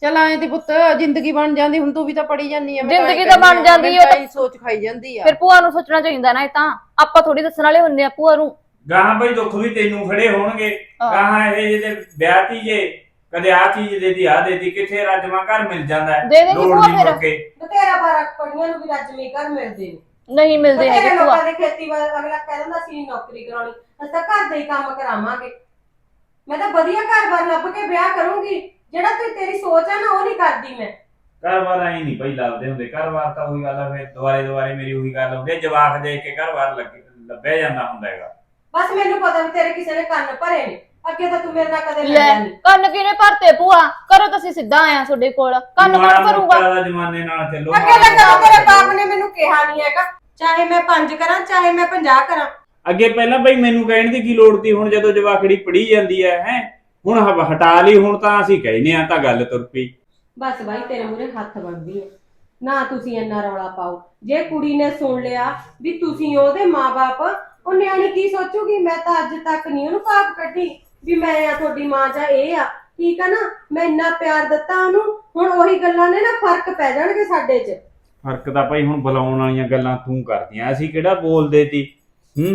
ਚਲ ਆਏ ਤੇ ਪੁੱਤ ਜ਼ਿੰਦਗੀ ਬਣ ਜਾਂਦੀ, ਹੁਣ ਤੂੰ ਵੀ ਤਾਂ ਪੜੀ ਜਾਂਦੀ ਆ। ਜ਼ਿੰਦਗੀ ਤਾਂ ਬਣ ਜਾਂਦੀ ਆ, ਉਹ ਤਾਂ ਸੋਚ ਖਾਈ ਜਾਂਦੀ ਆ। ਫਿਰ ਭੂਆ ਨੂੰ ਸੋਚਣਾ ਚਾਹੀਦਾ ਨਾ, ਇਹ ਤਾਂ ਆਪਾਂ ਥੋੜੀ ਦੱਸਣ ਵਾਲੇ ਹੁੰਦੇ ਆ ਭੂਆ ਨੂੰ। ਗਾਹਾਂ ਬਈ ਦੁੱਖ ਵੀ ਤੈਨੂੰ ਖੜੇ ਹੋਣਗੇ, ਗਾਹਾਂ ਇਹ ਜਿਹੇ ਵਿਆਹ ਤੀ ਜੇ ਕਦੇ ਆ ਚੀਜ਼ ਦੇਦੀ ਆ ਦੇਦੀ, ਕਿੱਥੇ ਰੱਜਵਾਂ ਘਰ ਮਿਲ ਜਾਂਦਾ ਹੈ, ਦੇ ਦੇਗੀ ਲੋੜ ਭੂਆ ਨਹੀਂ ਫਿਰ। ਮੁੜ ਕੇ। ਬਥੇਰਾ ਬਾਰਾ ਪੜੀਆਂ ਨੂੰ ਵੀ ਰੱਜਵੇਂ ਘਰ ਮਿਲਦੇ ਨੇ, ਨਹੀਂ ਮਿਲਦੇ ਬਥੇਰੇ ਹੈਗੇ ਭੂਆ। ਲੋਕਾਂ ਦੇ ਖੇਤੀਬਾੜੀ ਅਗਲਾ ਕਹਿ ਦਿੰਦਾ ਅਸੀਂ ਨੌਕਰੀ ਕਰਾਉਣੀ, ਅਸੀਂ ਤਾਂ ਘਰ ਦੇ ਹੀ ਕੰਮ ਕਰਾਵਾਂਗੇ। ਮੈਂ ਤਾਂ ਵਧੀਆ ਘਰ-ਬਾਰ ਲੱਭ ਕੇ ਵਿਆਹ ਕਰੂੰਗੀ, ਜਿਹੜਾ ਤੇ ਤੇਰੀ ਸੋਚ ਹੈ ਨਾ ਉਹ ਨਹੀਂ ਕਰਦੀ ਮੈਂ। ਘਰ-ਬਾਰ ਆਈ ਨਹੀਂ ਭਾਈ ਲੱਭਦੇ ਹੁੰਦੇ, ਘਰ-ਬਾਰ ਤਾਂ ਉਹੀ ਗੱਲ ਆ, ਫਿਰ ਦੁਬਾਰੇ ਦੁਬਾਰੇ ਮੇਰੀ ਉਹੀ ਗੱਲ ਹੁੰਦੀ ਹੈ, ਜਵਾਕ ਦੇਖ ਕੇ ਘਰ-ਬਾਰ ਲੱਭਿਆ ਜਾਂਦਾ ਹੁੰਦਾ ਹੈਗਾ। ਬਸ ਮੈਨੂੰ ਪਤਾ ਵੀ ਤੇਰੇ ਕਿਸੇ ਨੇ ਕੰਨ ਭਰੇ ਨੇ, ਅੱਗੇ ਤਾਂ ਤੂੰ ਮੇਰੇ ਨਾਲ ਕਦੇ ਲੈ ਲੜਿਆ ਨਹੀਂ। ਕੰਨ ਕਿਨੇ ਭਰਤੇ ਭੂਆ? ਕਰੋ ਤੁਸੀਂ ਸਿੱਧਾ ਆਇਆ ਤੁਹਾਡੇ ਕੋਲ, ਕੰਨ ਮਾੜਾ ਕੌਣ ਭਰੂਗਾ? ਮੋਟਾ ਦਾ ਜ਼ਮਾਨੇ ਨਾਲ ਚੱਲੋ। ਅੱਗੇ ਤਾਂ ਕਦੋਂ ਤੇਰੇ ਬਾਪ ਨੇ ਮੈਨੂੰ ਕਿਹਾ ਨਹੀਂ ਹੈਗਾ, ਚਾਹੇ ਮੈਂ ਪੰਜ ਕਰਾਂ ਚਾਹੇ ਮੈਂ ਪੰਜਾਹ ਕਰਾਂ। ਅੱਗੇ ਪਹਿਲਾਂ ਬਈ ਮੈਨੂੰ ਕਹਿਣ ਦੀ ਕੀ ਲੋੜ ਤੀ, ਹੁਣ ਜਦੋਂ ਜਵਾਕੜੀ ਪੜੀ ਜਾਂਦੀ ਹੈ ਹੈ ਹੁਣ ਹ- ਹਟਾ ਲਈ, ਹੁਣ ਤਾਂ ਅਸੀਂ ਕਹਿੰਦੇ ਆ ਤਾਂ ਗੱਲ ਤੁਰ ਪਈ। ਬਸ ਬਾਈ ਤੇਰੇ ਮੂਹਰੇ ਹੱਥ ਬਣਦੀ ਹੈ ਨਾ, ਤੁਸੀਂ ਇੰਨਾ ਰੌਲਾ ਪਾਓ। ਜੇ ਕੁੜੀ ਨੇ ਸੁਣ ਲਿਆ ਵੀ ਤੁਸੀਂ ਉਹਦੇ ਮਾਂ-ਬਾਪ, ਉਹ ਨਿਆਣੀ ਕੀ ਸੋਚੂਗੀ? ਮੈਂ ਤਾਂ ਅੱਜ ਤੱਕ ਨਹੀਂ ਉਹਨੂੰ ਪਾਪ ਕੱਢੀ ਵੀ ਮੈਂ ਆ ਤੁਹਾਡੀ ਮਾਂ ਜਾਂ ਇਹ ਆ, ਠੀਕ ਆ ਨਾ। ਮੈਂ ਇੰਨਾ ਪਿਆਰ ਦਿੱਤਾ ਉਹਨੂੰ, ਹੁਣ ਉਹੀ ਗੱਲਾਂ ਨੇ ਨਾ ਫਰਕ ਪੈ ਜਾਣਗੇ ਸਾਡੇ 'ਚ। ਫਰਕ ਤਾਂ ਭਾਈ ਹੁਣ ਬੁਲਾਉਣ ਵਾਲੀਆਂ ਗੱਲਾਂ ਤੂੰ ਕਰਦੀਆਂ, ਅਸੀਂ ਕਿਹੜਾ ਬੋਲਦੇ ਤੀ। ਹੂੰ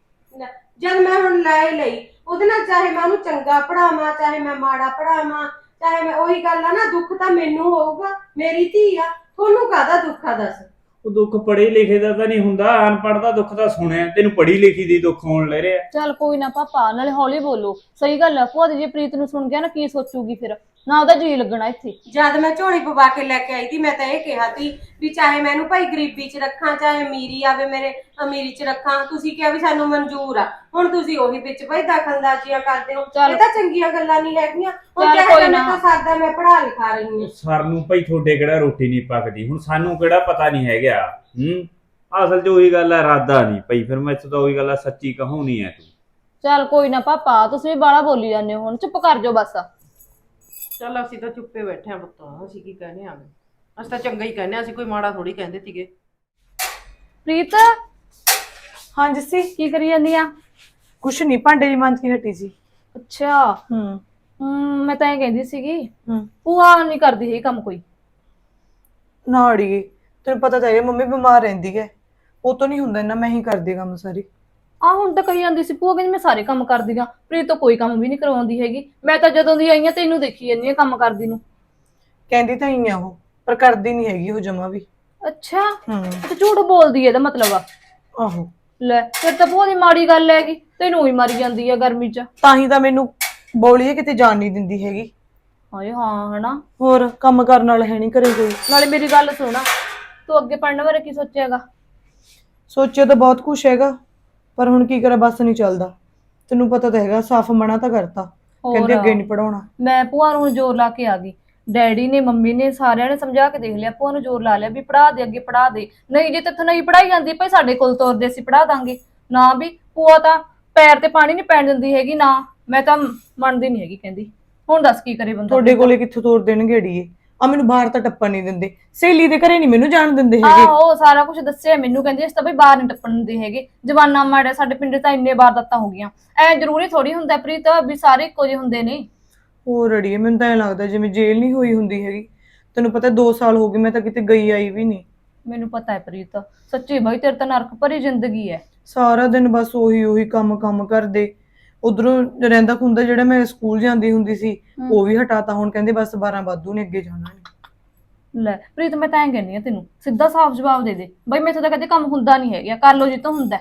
ਜਦ ਮੈਂ ਹੁਣ ਲੈ ਲਈ ਉਹਦੇ ਨਾਲ, ਚਾਹੇ ਮੈਂ ਉਹਨੂੰ ਚੰਗਾ ਪੜਾਵਾਂ ਚਾਹੇ ਮੈਂ ਮਾੜਾ ਪੜਾਵਾਂ, ਚਾਹੇ ਮੈਂ ਉਹੀ ਗੱਲ ਆ ਨਾ, ਦੁੱਖ ਤਾਂ ਮੈਨੂੰ ਹੋਊਗਾ, ਮੇਰੀ ਧੀ ਆ। ਤੁਹਾਨੂੰ ਕਾਹਦਾ ਦੁੱਖ ਆ ਦੱਸ? ਉਹ ਦੁੱਖ ਪੜ੍ਹੇ ਲਿਖੇ ਦਾ ਤਾਂ ਨਹੀਂ ਹੁੰਦਾ, ਅਨਪੜ੍ਹ ਦਾ ਦੁੱਖ ਤਾਂ ਸੁਣਿਆ, ਤੈਨੂੰ ਪੜ੍ਹੀ ਲਿਖੀ ਦੀ ਦੁੱਖ ਹੋਣ ਲੈ ਰਿਹਾ। ਚੱਲ ਕੋਈ ਨਾ ਪਾਪਾ, ਨਾਲੇ ਹੌਲੀ ਬੋਲੋ। ਸਹੀ ਗੱਲ ਆ ਭੂਆ ਦੀ, ਜੇ ਪ੍ਰੀਤ ਨੂੰ ਸੁਣ ਗਿਆ ਨਾ ਕੀ ਸੋਚੂਗੀ ਫਿਰ, ਨਾ ਉਹਦਾ ਜੀ ਲੱਗਣਾ ਇੱਥੇ। ਜਦ ਮੈਂ ਝੋਲੀ ਪਵਾ ਕੇ ਲੈ ਕੇ ਆਈ ਸੀ, ਮੈਂ ਤਾਂ ਇਹ ਕਿਹਾ ਸੀ ਵੀ ਚਾਹੇ ਮੈਨੂੰ ਭਾਈ ਗਰੀਬੀ 'ਚ ਰੱਖਾਂ ਚਾਹੇ ਅਮੀਰੀ ਆਵੇ ਮੇਰੇ ਅਮੀਰੀ 'ਚ ਰੱਖਾਂ। ਤੁਸੀਂ ਕਿਹਾ ਵੀ ਸਾਨੂੰ ਮਨਜ਼ੂਰ ਆ, ਹੁਣ ਤੁਸੀਂ ਉਹੀ ਵਿੱਚ ਭਾਈ ਦਖਲਅੰਦਾਜ਼ੀਆਂ ਕਰਦੇ ਹੋ। ਇਹ ਤਾਂ ਚੰਗੀਆਂ ਗੱਲਾਂ ਨਹੀਂ ਹੈਗੀਆਂ। ਹੁਣ ਚਾਹੇ ਮੈਂ ਤਾਂ ਸਾਦਾ ਮੈਂ ਪੜ੍ਹਾ ਲਿਖਾ ਰਹੀ ਹਾਂ। ਸਰ ਨੂੰ ਭਾਈ ਤੁਹਾਡੇ ਕਿਹੜਾ ਰੋਟੀ ਨਹੀਂ ਪੱਕਦੀ, ਹੁਣ ਸਾਨੂੰ ਕਿਹੜਾ ਪਤਾ ਨਹੀਂ ਹੈਗਾ। ਹੂੰ ਅਸਲ 'ਚ ਉਹੀ ਗੱਲ ਹੈ, ਇਰਾਦਾ ਨਹੀਂ ਭਾਈ, ਫਿਰ ਮੈਂ ਇੱਥੋਂ ਤਾਂ ਉਹੀ ਗੱਲ ਹੈ, ਸੱਚੀ ਕਹਾਉਣੀ ਹੈ ਤੂੰ। ਚੱਲ ਕੋਈ ਨਾ ਪਾਪਾ, ਤੁਸੀਂ ਵੀ ਬਾਹਲਾ ਬੋਲੀ ਜਾਂਦੇ ਹੋ, ਹੁਣ ਚੁੱਪ ਕਰ ਜਾਓ ਬਸ। ਚੱਲ ਅਸੀਂ ਤਾਂ ਚੁੱਪੇ ਬੈਠੇ ਆ ਪੁੱਤ, ਅਸੀਂ ਕੀ ਕਹਿੰਦੇ ਆ, ਅਸੀਂ ਤਾਂ ਚੰਗਾ ਹੀ ਕਹਿੰਦੇ ਆ, ਅਸੀਂ ਕੋਈ ਮਾੜਾ ਥੋੜੀ ਕਹਿੰਦੇ ਸੀਗੇ। ਪ੍ਰੀਤ ਹਾਂ ਜੱਸੀ, ਕੀ ਕਰੀ ਜਾਂਦੀ ਆ? ਕੁਛ ਨਹੀਂ, ਭਾਂਡੇ ਦੀ ਮਾਂਜ ਕੇ ਹਟੀ ਸੀ। ਅੱਛਾ। ਹੂੰ ਹਮ ਮੈਂ ਤਾਂ ਇਹ ਕਹਿੰਦੀ ਸੀਗੀ, ਹੂੰ ਭੂਆ ਨਹੀਂ ਕਰਦੀ ਹੈ ਕੰਮ ਕੋਈ? ਨਾ ਅੜੀਏ, ਤੈਨੂੰ ਪਤਾ ਤਾਂ ਹੈ ਮੰਮੀ ਬਿਮਾਰ ਰਹਿੰਦੀ ਹੈ, ਉਹ ਤੋਂ ਨਹੀਂ ਹੁੰਦਾ ਇੰਨਾ, ਮੈਂ ਹੀ ਕਰਦੀ ਕੰਮ ਸਾਰੀ। ਆ ਹੁਣ ਤਾਂ ਕਹੀ ਜਾਂਦੀ ਸੀ ਭੂਆ ਕਹਿੰਦੀ ਮੈਂ ਸਾਰੇ ਕੰਮ ਕਰਦੀ ਆ, ਪ੍ਰੀਤ ਤਾਂ ਕੋਈ ਕੰਮ ਵੀ ਨਹੀਂ ਕਰਵਾਉਂਦੀ ਹੈਗੀ। ਮੈਂ ਤਾਂ ਜਦੋਂ ਦੀ ਆਈ ਆ ਤੈਨੂੰ ਦੇਖੀ ਜਾਂਦੀ ਆ ਕੰਮ ਕਰਦੀ ਨੂੰ। ਕਹਿੰਦੀ ਤਾਂ ਹੀ ਆ ਉਹ, ਪਰ ਕਰਦੀ ਨਹੀਂ ਹੈਗੀ ਉਹ ਜਮਾ ਵੀ। ਅੱਛਾ, ਹੂੰ ਤੇ ਝੂਠ ਬੋਲਦੀ ਹੈ ਇਹਦਾ ਮਤਲਬ ਆ? ਆਹੋ, ਲੈ ਫਿਰ ਤਾਂ ਭੂਆ ਦੀ ਮਾੜੀ ਗੱਲ ਹੈਗੀ, ਤੈਨੂੰ ਹੀ ਮਾਰੀ ਜਾਂਦੀ ਆ ਗਰਮੀ 'ਚ। ਤਾਂ ਹੀ ਤਾਂ ਮੈਨੂੰ ਬੋਲੀਏ ਕਿਤੇ ਜਾਣ ਨਹੀਂ ਦਿੰਦੀ ਹੈਗੀ। ਹਾਏ ਹਾਂ ਹਨਾ, ਹੋਰ ਕੰਮ ਕਰਨ ਵਾਲਾ ਹੈ ਨਹੀਂ ਘਰੇ ਕੋਈ। ਨਾਲੇ ਮੇਰੀ ਗੱਲ ਸੁਣਾ, ਤੂੰ ਅੱਗੇ ਪੜਨ ਬਾਰੇ ਕੀ ਸੋਚਿਆਗਾ? ਸੋਚਿਆ ਤਾਂ ਬਹੁਤ ਕੁਛ ਹੈਗਾ, ਪਰ ਹੁਣ ਕੀ ਕਰਾਂ, ਬਸ ਨਹੀਂ ਚੱਲਦਾ। ਤੈਨੂੰ ਪਤਾ ਤਾਂ ਹੈਗਾ, ਸਾਫ਼ ਮਨਾ ਤਾਂ ਕਰਤਾ, ਕਹਿੰਦੇ ਅੱਗੇ ਨਹੀਂ ਪੜਾਉਣਾ। ਮੈਂ ਭੂਆ ਨੂੰ ਜ਼ੋਰ ਲਾ ਕੇ ਆ ਗਈ, ਡੈਡੀ ਨੇ ਮੰਮੀ ਨੇ ਸਾਰਿਆਂ ਨੇ ਸਮਝਾ ਕੇ ਦੇਖ ਲਿਆ, ਭੂਆ ਨੂੰ ਜ਼ੋਰ ਲਾ ਲਿਆ ਵੀ ਪੜਾ ਦੇ, ਅੱਗੇ ਪੜਾ ਦੇ। ਨਹੀਂ ਜੇ ਤੇਥੋਂ ਨਹੀਂ ਪੜਾਈ ਜਾਂਦੀ ਭਾਈ ਸਾਡੇ ਕੋਲ ਤੋਰਦੇ, ਅਸੀਂ ਪੜਾ ਦਾਂਗੇ। ਨਾ ਵੀ ਭੂਆ ਤਾਂ ਪੈਰ ਤੇ ਪਾਣੀ ਨਹੀਂ ਪੈਣ ਦਿੰਦੀ ਹੈਗੀ, ਨਾ ਮੈਂ ਤਾਂ ਮੰਨਦੀ ਨਹੀਂ ਹੈਗੀ। ਕਹਿੰਦੀ ਹੁਣ ਦੱਸ ਕੀ ਕਰੇ ਬੰਦਾ? ਤੁਹਾਡੇ ਕੋਲੇ ਕਿੱਥੋਂ ਤੋਰ ਦੇਣਗੇ ਅੜੀਏ, ਆ ਮੈਨੂੰ ਬਾਹਰ ਤਾਂ ਟੱਪਣ ਨਹੀਂ ਦਿੰਦੇ, ਸਹੇਲੀ ਦੇ ਘਰੇ ਨਹੀਂ ਮੈਨੂੰ ਜਾਣ ਦਿੰਦੇ ਹੈਗੇ। ਆਹੋ ਸਾਰਾ ਕੁਝ ਦੱਸਿਆ ਮੈਨੂੰ, ਕਹਿੰਦੀ ਇਸ ਤਾਂ ਬਈ ਬਾਹਰ ਨਹੀਂ ਟੱਪਣ ਦਿੰਦੇ ਹੈਗੇ, ਜਵਾਨਾ ਮਾੜਾ, ਸਾਡੇ ਪਿੰਡ ਤਾਂ ਇੰਨੇ ਵਾਰਦਾਤਾਂ ਹੋ ਗਈਆਂ। ਐ ਜ਼ਰੂਰੀ ਥੋੜੀ ਹੁੰਦਾ ਪ੍ਰੀਤ ਵੀ ਸਾਰੇ ਇੱਕੋ ਜਿਹੇ ਹੁੰਦੇ ਨੇ। ਹੋਰ ਅੜੀਏ, ਮੈਨੂੰ ਤਾਂ ਐਂ ਲੱਗਦਾ ਜਿਵੇਂ ਜੇਲ੍ਹ ਨਹੀਂ ਹੋਈ ਹੁੰਦੀ ਹੈਗੀ। ਤੈਨੂੰ ਪਤਾ ਦੋ ਸਾਲ ਹੋ ਗਏ ਮੈਂ ਤਾਂ ਕਿਤੇ ਗਈ ਆਈ ਵੀ ਨਹੀਂ। ਮੈਨੂੰ ਪਤਾ ਹੈ ਪ੍ਰੀਤ, ਸੱਚੀ ਬਾਈ ਤੇਰੇ ਤਾਂ ਨਰਕ ਭਰੀ ਜ਼ਿੰਦਗੀ ਹੈ। ਸਾਰਾ ਦਿਨ ਬਸ ਉਹੀ ਉਹੀ ਕੰਮ ਕੰਮ ਕਰਦੇ। ਉਧਰੋਂ ਰਹਿੰਦਾ ਖੁੰਦਾ ਜਿਹੜਾ ਮੈਂ ਸਕੂਲ ਜਾਂਦੀ ਹੁੰਦੀ ਸੀ ਉਹ ਵੀ ਹਟਾਤਾ, ਹੁਣ ਕਹਿੰਦੇ ਬਸ ਬਾਰਾਂ ਵਾਧੂ ਨੇ, ਅੱਗੇ ਜਾਣਾ ਨਹੀਂ। ਲੈ ਪ੍ਰੀਤ ਮੈਂ ਤਾਂ ਐਂ ਕਹਿੰਦੀ ਆ ਤੈਨੂੰ, ਸਿੱਧਾ ਸਾਫ਼ ਜਵਾਬ ਦੇ ਦੇ ਬਈ ਮੈਥੋਂ ਤਾਂ ਕਦੇ ਕੰਮ ਹੁੰਦਾ ਨਹੀਂ ਹੈਗਾ, ਕਰ ਲੋ ਜਿੱਤੋਂ ਹੁੰਦਾ।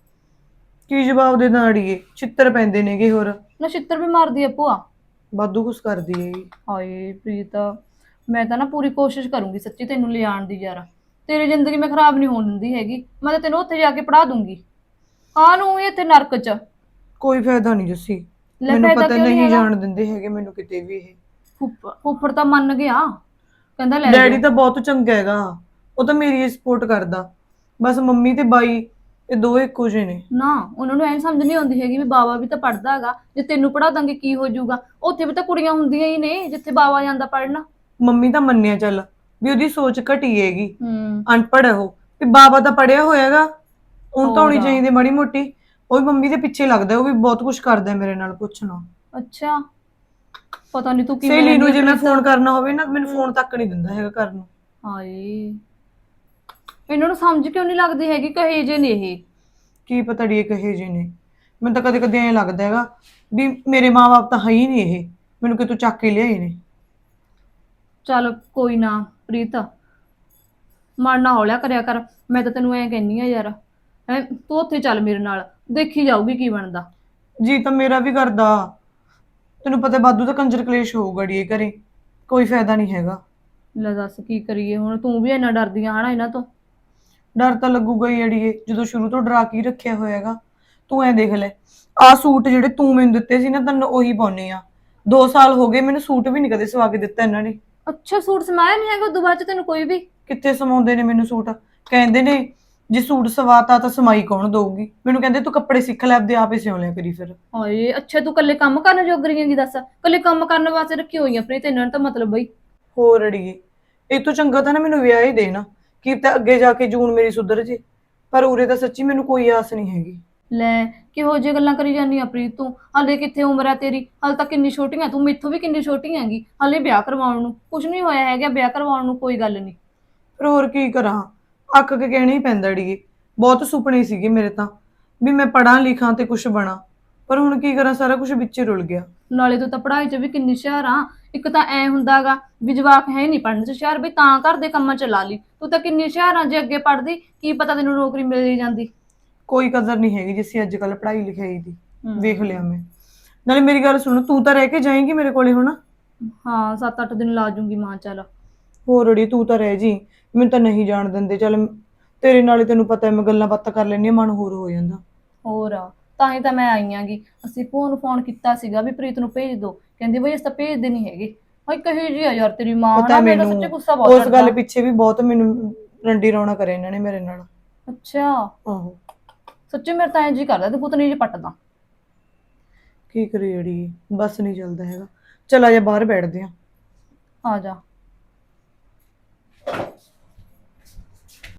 ਕੀ ਜਵਾਬ ਦੇ ਦਾਂ ਅੜੀਏ, ਚਿੱਤਰ ਪੈਂਦੇ ਨੇਗੇ। ਹੋਰ ਨਾ ਛਿੱਤਰ ਵੀ ਮਾਰਦੀ ਆ ਭੂਆ, ਵਾਧੂ ਕੁਛ ਕਰਦੀ ਹੈਗੀ। ਹਾਏ ਪ੍ਰੀਤ, ਮੈਂ ਤਾਂ ਨਾ ਪੂਰੀ ਕੋਸ਼ਿਸ਼ ਕਰੂੰਗੀ ਸੱਚੀ ਤੈਨੂੰ ਲਿਆਉਣ ਦੀ ਯਾਰ, ਤੇਰੀ ਜ਼ਿੰਦਗੀ ਮੈਂ ਖਰਾਬ ਨਹੀਂ ਹੋਣ ਦਿੰਦੀ ਹੈਗੀ। ਮੈਂ ਤਾਂ ਤੈਨੂੰ ਉੱਥੇ ਜਾ ਕੇ ਪੜਾ ਦੂੰਗੀ, ਕਾਹਨੂੰ ਇੱਥੇ ਨਰਕ 'ਚ। ਕੋਈ ਫਾਇਦਾ ਨਹੀਂ ਜੱਸੀ, ਲੈ ਮੈਨੂੰ ਫਾਇਦਾ ਪਤਾ ਕਿਉਂ ਨੀ ਨਹੀਂ ਹੈਗਾ? ਜਾਣ ਦਿੰਦੇ ਹੈਗੇ ਮੈਨੂੰ ਕਿਤੇ ਵੀ। ਇਹ ਫੁੱਫ- ਫੁੱਫੜ ਤਾਂ ਮੰਨ ਗਿਆ, ਕਹਿੰਦਾ ਲੈ ਡੈਡੀ ਜਾਓ। ਤਾਂ ਬਹੁਤ ਚੰਗਾ ਹੈਗਾ, ਉਹ ਤਾਂ ਮੇਰੀ ਸਪੋਰਟ ਕਰਦਾ। ਬਸ ਮੰਮੀ ਤੇ ਬਾਈ ਇਹ ਦੋ ਇੱਕੋ ਜਿਹੇ ਨੇ। ਨਾ ਉਹਨਾਂ ਨੂੰ ਐਂ ਸਮਝ ਨਹੀਂ ਆਉਂਦੀ ਹੈਗੀ ਵੀ ਬਾਬਾ ਵੀ ਤਾਂ ਪੜਦਾ ਹੈਗਾ, ਜੇ ਤੈਨੂੰ ਪੜਾ ਦਾਂਗੇ ਕੀ ਹੋ ਜਾਊਗਾ। ਉੱਥੇ ਵੀ ਤਾਂ ਕੁੜੀਆਂ ਹੁੰਦੀਆਂ ਹੀ ਨੇ ਜਿੱਥੇ ਬਾਬਾ ਜਾਂਦਾ ਪੜਨਾ। ਮੰਮੀ ਤਾਂ ਮੰਨਿਆ ਚੱਲ ਵੀ ਉਹਦੀ ਸੋਚ ਘਟੀ ਹੈਗੀ, ਹੂੰ ਅਨਪੜ੍ਹ ਹੈ ਉਹ, ਵੀ ਬਾਬਾ ਤਾਂ ਪੜਿਆ ਹੋਇਆਗਾ, ਉਹਨੂੰ ਤਾਂ ਹੋਣੀ ਹੋਰ। ਚਾਹੀਦੀ ਮਾੜੀ ਮੋਟੀ। ਉਹ ਵੀ ਮੰਮੀ ਦੇ ਪਿੱਛੇ ਲੱਗਦਾ, ਉਹ ਵੀ ਬਹੁਤ ਕੁਝ ਕਰਦਾ ਮੇਰੇ ਨਾਲ, ਪੁੱਛਣਾ। ਅੱਛਾ, ਪਤਾ ਨਹੀਂ ਤੂੰ ਕੀ ਸਹੇਲੀ ਨੂੰ ਜੇ ਮੈਂ ਫੋਨ ਕਰਨਾ ਹੋਵੇ ਨਾ ਮੈਨੂੰ ਫੋਨ ਤੱਕ ਨਹੀਂ ਦਿੰਦਾ ਹੈਗਾ ਕਰਨ ਨੂੰ। ਹਾਏ ਇਹਨਾਂ ਨੂੰ ਸਮਝ ਕਿਉਂ ਨਹੀਂ ਲੱਗਦੀ ਹੈਗੀ ਕਹੇ ਜੇ ਨੇ ਇਹ। ਕੀ ਪਤਾ ੜੀ ਕਹੇ ਜੇ ਨੇ, ਮੈਨੂੰ ਤਾਂ ਕਦੇ ਕਦੇ ਐਂ ਲੱਗਦਾ ਹੈਗਾ ਵੀ ਮੇਰੇ ਮਾਂ-ਬਾਪ ਤਾਂ ਹੈ ਹੀ ਨਹੀਂ, ਇਹ ਮੈਨੂੰ ਕਿਤੋਂ ਚੱਕ ਕੇ ਲਿਆਏ ਨੇ। ਚੱਲ ਕੋਈ ਨਾ ਪ੍ਰੀਤ, ਮਨ ਨਾ ਹੌਲਿਆ ਕਰਿਆ ਕਰ। ਮੈਂ ਤਾਂ ਤੈਨੂੰ ਐਂ ਕਹਿੰਨੀ ਆ ਯਾਰ, ਹੈਂ ਤੂੰ ਉੱਥੇ ਚੱਲ ਮੇਰੇ ਨਾਲ, ਦੇਖੀ ਜਾਊਗੀ ਕੀ ਬਣਦਾ। ਜੀ ਤਾਂ ਮੇਰਾ ਵੀ ਕਰਦਾ, ਤੈਨੂੰ ਪਤਾ ਬਾਦੂ ਦਾ ਕੰਜਰ ਕਲੇਸ਼ ਹੋਊਗਾ ੜੀ ਘਰੇ, ਕੋਈ ਫਾਇਦਾ ਨਹੀਂ ਹੈਗਾ। ਲੈ ਦੱਸ ਕੀ ਕਰੀਏ ਹੁਣ, ਤੂੰ ਵੀ ਇੰਨਾ ਡਰਦੀ ਆ ਹਨਾ ਇਹਨਾਂ ਤੋਂ। ਡਰ ਤਾਂ ਲੱਗੂਗਾ ਹੀ ਅੜੀਏ, ਜਦੋਂ ਸ਼ੁਰੂ ਤੋਂ ਡਰਾ ਕੇ ਹੀ ਰੱਖਿਆ ਹੋਇਆ ਹੈਗਾ। ਤੂੰ ਐ ਦੇਖ ਲੈ, ਆਹ ਸੂਟ ਜਿਹੜੇ ਤੂੰ ਮੈਨੂੰ ਦਿੱਤੇ ਸੀ ਨਾ ਤੈਨੂੰ ਉਹੀ ਪਾਉਣੇ ਆ। ਦੋ ਸਾਲ ਹੋ ਗਏ ਮੈਨੂੰ ਸੂਟ ਵੀ ਨਹੀਂ ਕਦੇ ਸਵਾ ਕੇ ਦਿੱਤਾ ਇਹਨਾਂ ਨੇ। ਅੱਛਾ ਸੂਟ ਸਮਾਇਆ ਨਹੀਂ ਹੈਗਾ ਉਦੋਂ ਬਾਅਦ ਚ ਤੈਨੂੰ ਕੋਈ ਵੀ? ਕਿੱਥੇ ਸਮਾਉਂਦੇ ਨੇ ਮੈਨੂੰ ਸੂਟ, ਕਹਿੰਦੇ ਨੇ ਜੇ ਸੂਟ ਸਵਾਤਾ ਤਾਂ ਸਮਾਈ ਕੌਣ ਦਊਗੀ। ਮੈਨੂੰ ਕਹਿੰਦੇ ਤੂੰ ਕੱਪੜੇ ਸਿੱਖ ਲੈ, ਆਪਦੇ ਆਪੇ ਸਿਉਂ ਲਿਆ ਕਰੀ ਫਿਰ। ਹਾਏ ਅੱਛਾ ਤੂੰ ਕੱਲੇ ਕੰਮ ਕਰਨ ਜੋਗਰੀ ਹੈਗੀ ਦੱਸ, ਕੱਲੇ ਕੰਮ ਕਰਨ ਵਾਸਤੇ ਰੱਖੀ ਹੋਈ ਆ ਪ੍ਰੀਤ ਇਹਨਾਂ ਨੇ ਤਾਂ ਮਤਲਬ ਬਈ। ਹੋਰ ਅੜੀਏ ਇਹ ਤੋਂ ਚੰਗਾ ਤਾਂ ਨਾ ਮੈਨੂੰ ਵਿਆਹ ਹੀ ਦੇਣਾ, ਕੀ ਤਾਂ ਅੱਗੇ ਜਾ ਕੇ ਜੂਨ ਮੇਰੀ ਸੁਧਰ ਜੇ। ਪਰ ਉਰੇ ਤਾਂ ਸੱਚੀ ਮੈਨੂੰ ਕੋਈ ਆਸ ਨਹੀਂ ਹੈਗੀ। ਲੈ ਕਿਹੋ ਜਿਹੀ ਗੱਲਾਂ ਕਰੀ ਜਾਂਦੀ ਆ ਪ੍ਰੀਤ ਤੂੰ, ਹਾਲੇ ਕਿੱਥੇ ਉਮਰ ਆ ਤੇਰੀ, ਹਾਲੇ ਤਾਂ ਕਿੰਨੀ ਛੋਟੀ ਆ ਤੂੰ, ਮੈਥੋਂ ਵੀ ਕਿੰਨੀ ਛੋਟੀ ਹੈਗੀ। ਹਾਲੇ ਵਿਆਹ ਕਰਵਾਉਣ ਨੂੰ ਕੁਝ ਨਹੀਂ ਹੋਇਆ ਹੈਗਾ, ਵਿਆਹ ਕਰਵਾਉਣ ਨੂੰ ਕੋਈ ਗੱਲ ਨਹੀਂ। ਪਰ ਹੋਰ ਕੀ ਕਰਾਂ, ਅੱਕ ਕੇ ਕਹਿਣਾ ਹੀ ਪੈਂਦਾ ਅੜੀਏ। ਬਹੁਤ ਸੁਪਨੇ ਸੀਗੇ ਮੇਰੇ ਤਾਂ ਵੀ ਮੈਂ ਪੜਾਂ ਲਿਖਾਂ ਤੇ ਕੁਝ ਬਣਾ, ਪਰ ਹੁਣ ਕੀ ਕਰਾਂ, ਸਾਰਾ ਕੁਝ ਵਿੱਚ ਹੀ ਰੁਲ ਗਿਆ। ਨਾਲੇ ਤੂੰ ਤਾਂ ਪੜ੍ਹਾਈ 'ਚ ਵੀ ਕਿੰਨੀ ਹੁਸ਼ਿਆਰ ਆ। ਇੱਕ ਤਾਂ ਐ ਹੁੰਦਾਗਾ ਵੀ ਜਵਾਕ ਹੈ ਨਹੀਂ ਪੜ੍ਹਨ 'ਚ ਹੁਸ਼ਿਆਰ, ਵੀ ਤਾਂ ਘਰ ਦੇ ਕੰਮਾਂ 'ਚ ਲਾ ਲਈ। ਤੂੰ ਤਾਂ ਕਿੰਨੀ ਹੁਸ਼ਿਆਰ ਆ, ਜੇ ਅੱਗੇ ਪੜ੍ਹਦੀ ਕੀ ਪਤਾ ਤੈਨੂੰ ਨੌਕਰੀ ਮਿਲ ਹੀ ਜਾਂਦੀ। ਕੋਈ ਕਦਰ ਨਹੀਂ ਹੈਗੀ ਜਿਸੀ ਅੱਜ ਕੱਲ ਪੜ੍ਹਾਈ ਲਿਖਾਈ ਦੀ, ਵੇਖ ਲਿਆ ਮੈਂ। ਨਾਲੇ ਮੇਰੀ ਗੱਲ ਸੁਣ, ਤੂੰ ਤਾਂ ਰਹਿ ਕੇ ਜਾਏਂਗੀ ਮੇਰੇ ਕੋਲੇ ਹੁਣ? ਹਾਂ ਸੱਤ ਅੱਠ ਦਿਨ ਲਾ ਜੂੰਗੀ ਮਾਂ। ਚੱਲ ਹੋਰ ਅੜੀ ਤੂੰ ਤਾਂ ਰਹਿ ਜੀ, ਮੈਨੂੰ ਤਾਂ ਨਹੀਂ ਜਾਣ ਦਿੰਦੇ। ਚੱਲ ਤੇਰੇ ਨਾਲ ਹੀ ਤੈਨੂੰ ਪਤਾ ਮੈਂ ਗੱਲਾਂ ਬਾਤਾਂ ਕਰ ਲੈਂਦੀ ਹਾਂ, ਮਨ ਹੋਰ ਹੋ ਜਾਂਦਾ। ਹੋਰ ਆ, ਤਾਂ ਹੀ ਤਾਂ ਮੈਂ ਆਈ ਆਂਗੀ। ਅਸੀਂ ਭੂਆ ਨੂੰ ਫੋਨ ਕੀਤਾ ਸੀਗਾ ਵੀ ਪ੍ਰੀਤ ਨੂੰ ਭੇਜ ਦੋ, ਕਹਿੰਦੀ ਬਈ ਅਸੀਂ ਤਾਂ ਭੇਜਦੇ ਨਹੀਂ ਹੈਗੇ। ਹਾਏ ਕਹੀ ਜੀ ਆ ਯਾਰ ਤੇਰੀ ਮਾਂ, ਪਤਾ ਨਾ ਮੇਰਾ ਮੈਨੂੰ ਸੱਚੇ ਗੁੱਸਾ ਬਹੁਤ ਉਸ ਗੱਲ ਚੜਦਾ। ਪਿੱਛੇ ਵੀ ਬਹੁਤ ਮੈਨੂੰ ਰੰਡੀ ਰੌਣਾ ਕਰਿਆ ਇਹਨਾਂ ਨੇ ਮੇਰੇ ਨਾਲ। ਅੱਛਾ ਆਹੋ ਸੱਚੇ ਮੇਰੇ ਤਾਂ ਐਂ ਜੀ ਕਰਦਾ ਤੇ ਪੁੱਤਨੀ ਜੀ ਪੱਟਦਾ। ਕੀ ਕਰੀ ਅੜੀ, ਬਸ ਨਹੀਂ ਚੱਲਦਾ ਹੈਗਾ। ਚਲ ਆ ਜਾ ਬਾਹਰ ਬੈਠਦੇ ਆ। ਆ ਜਾ।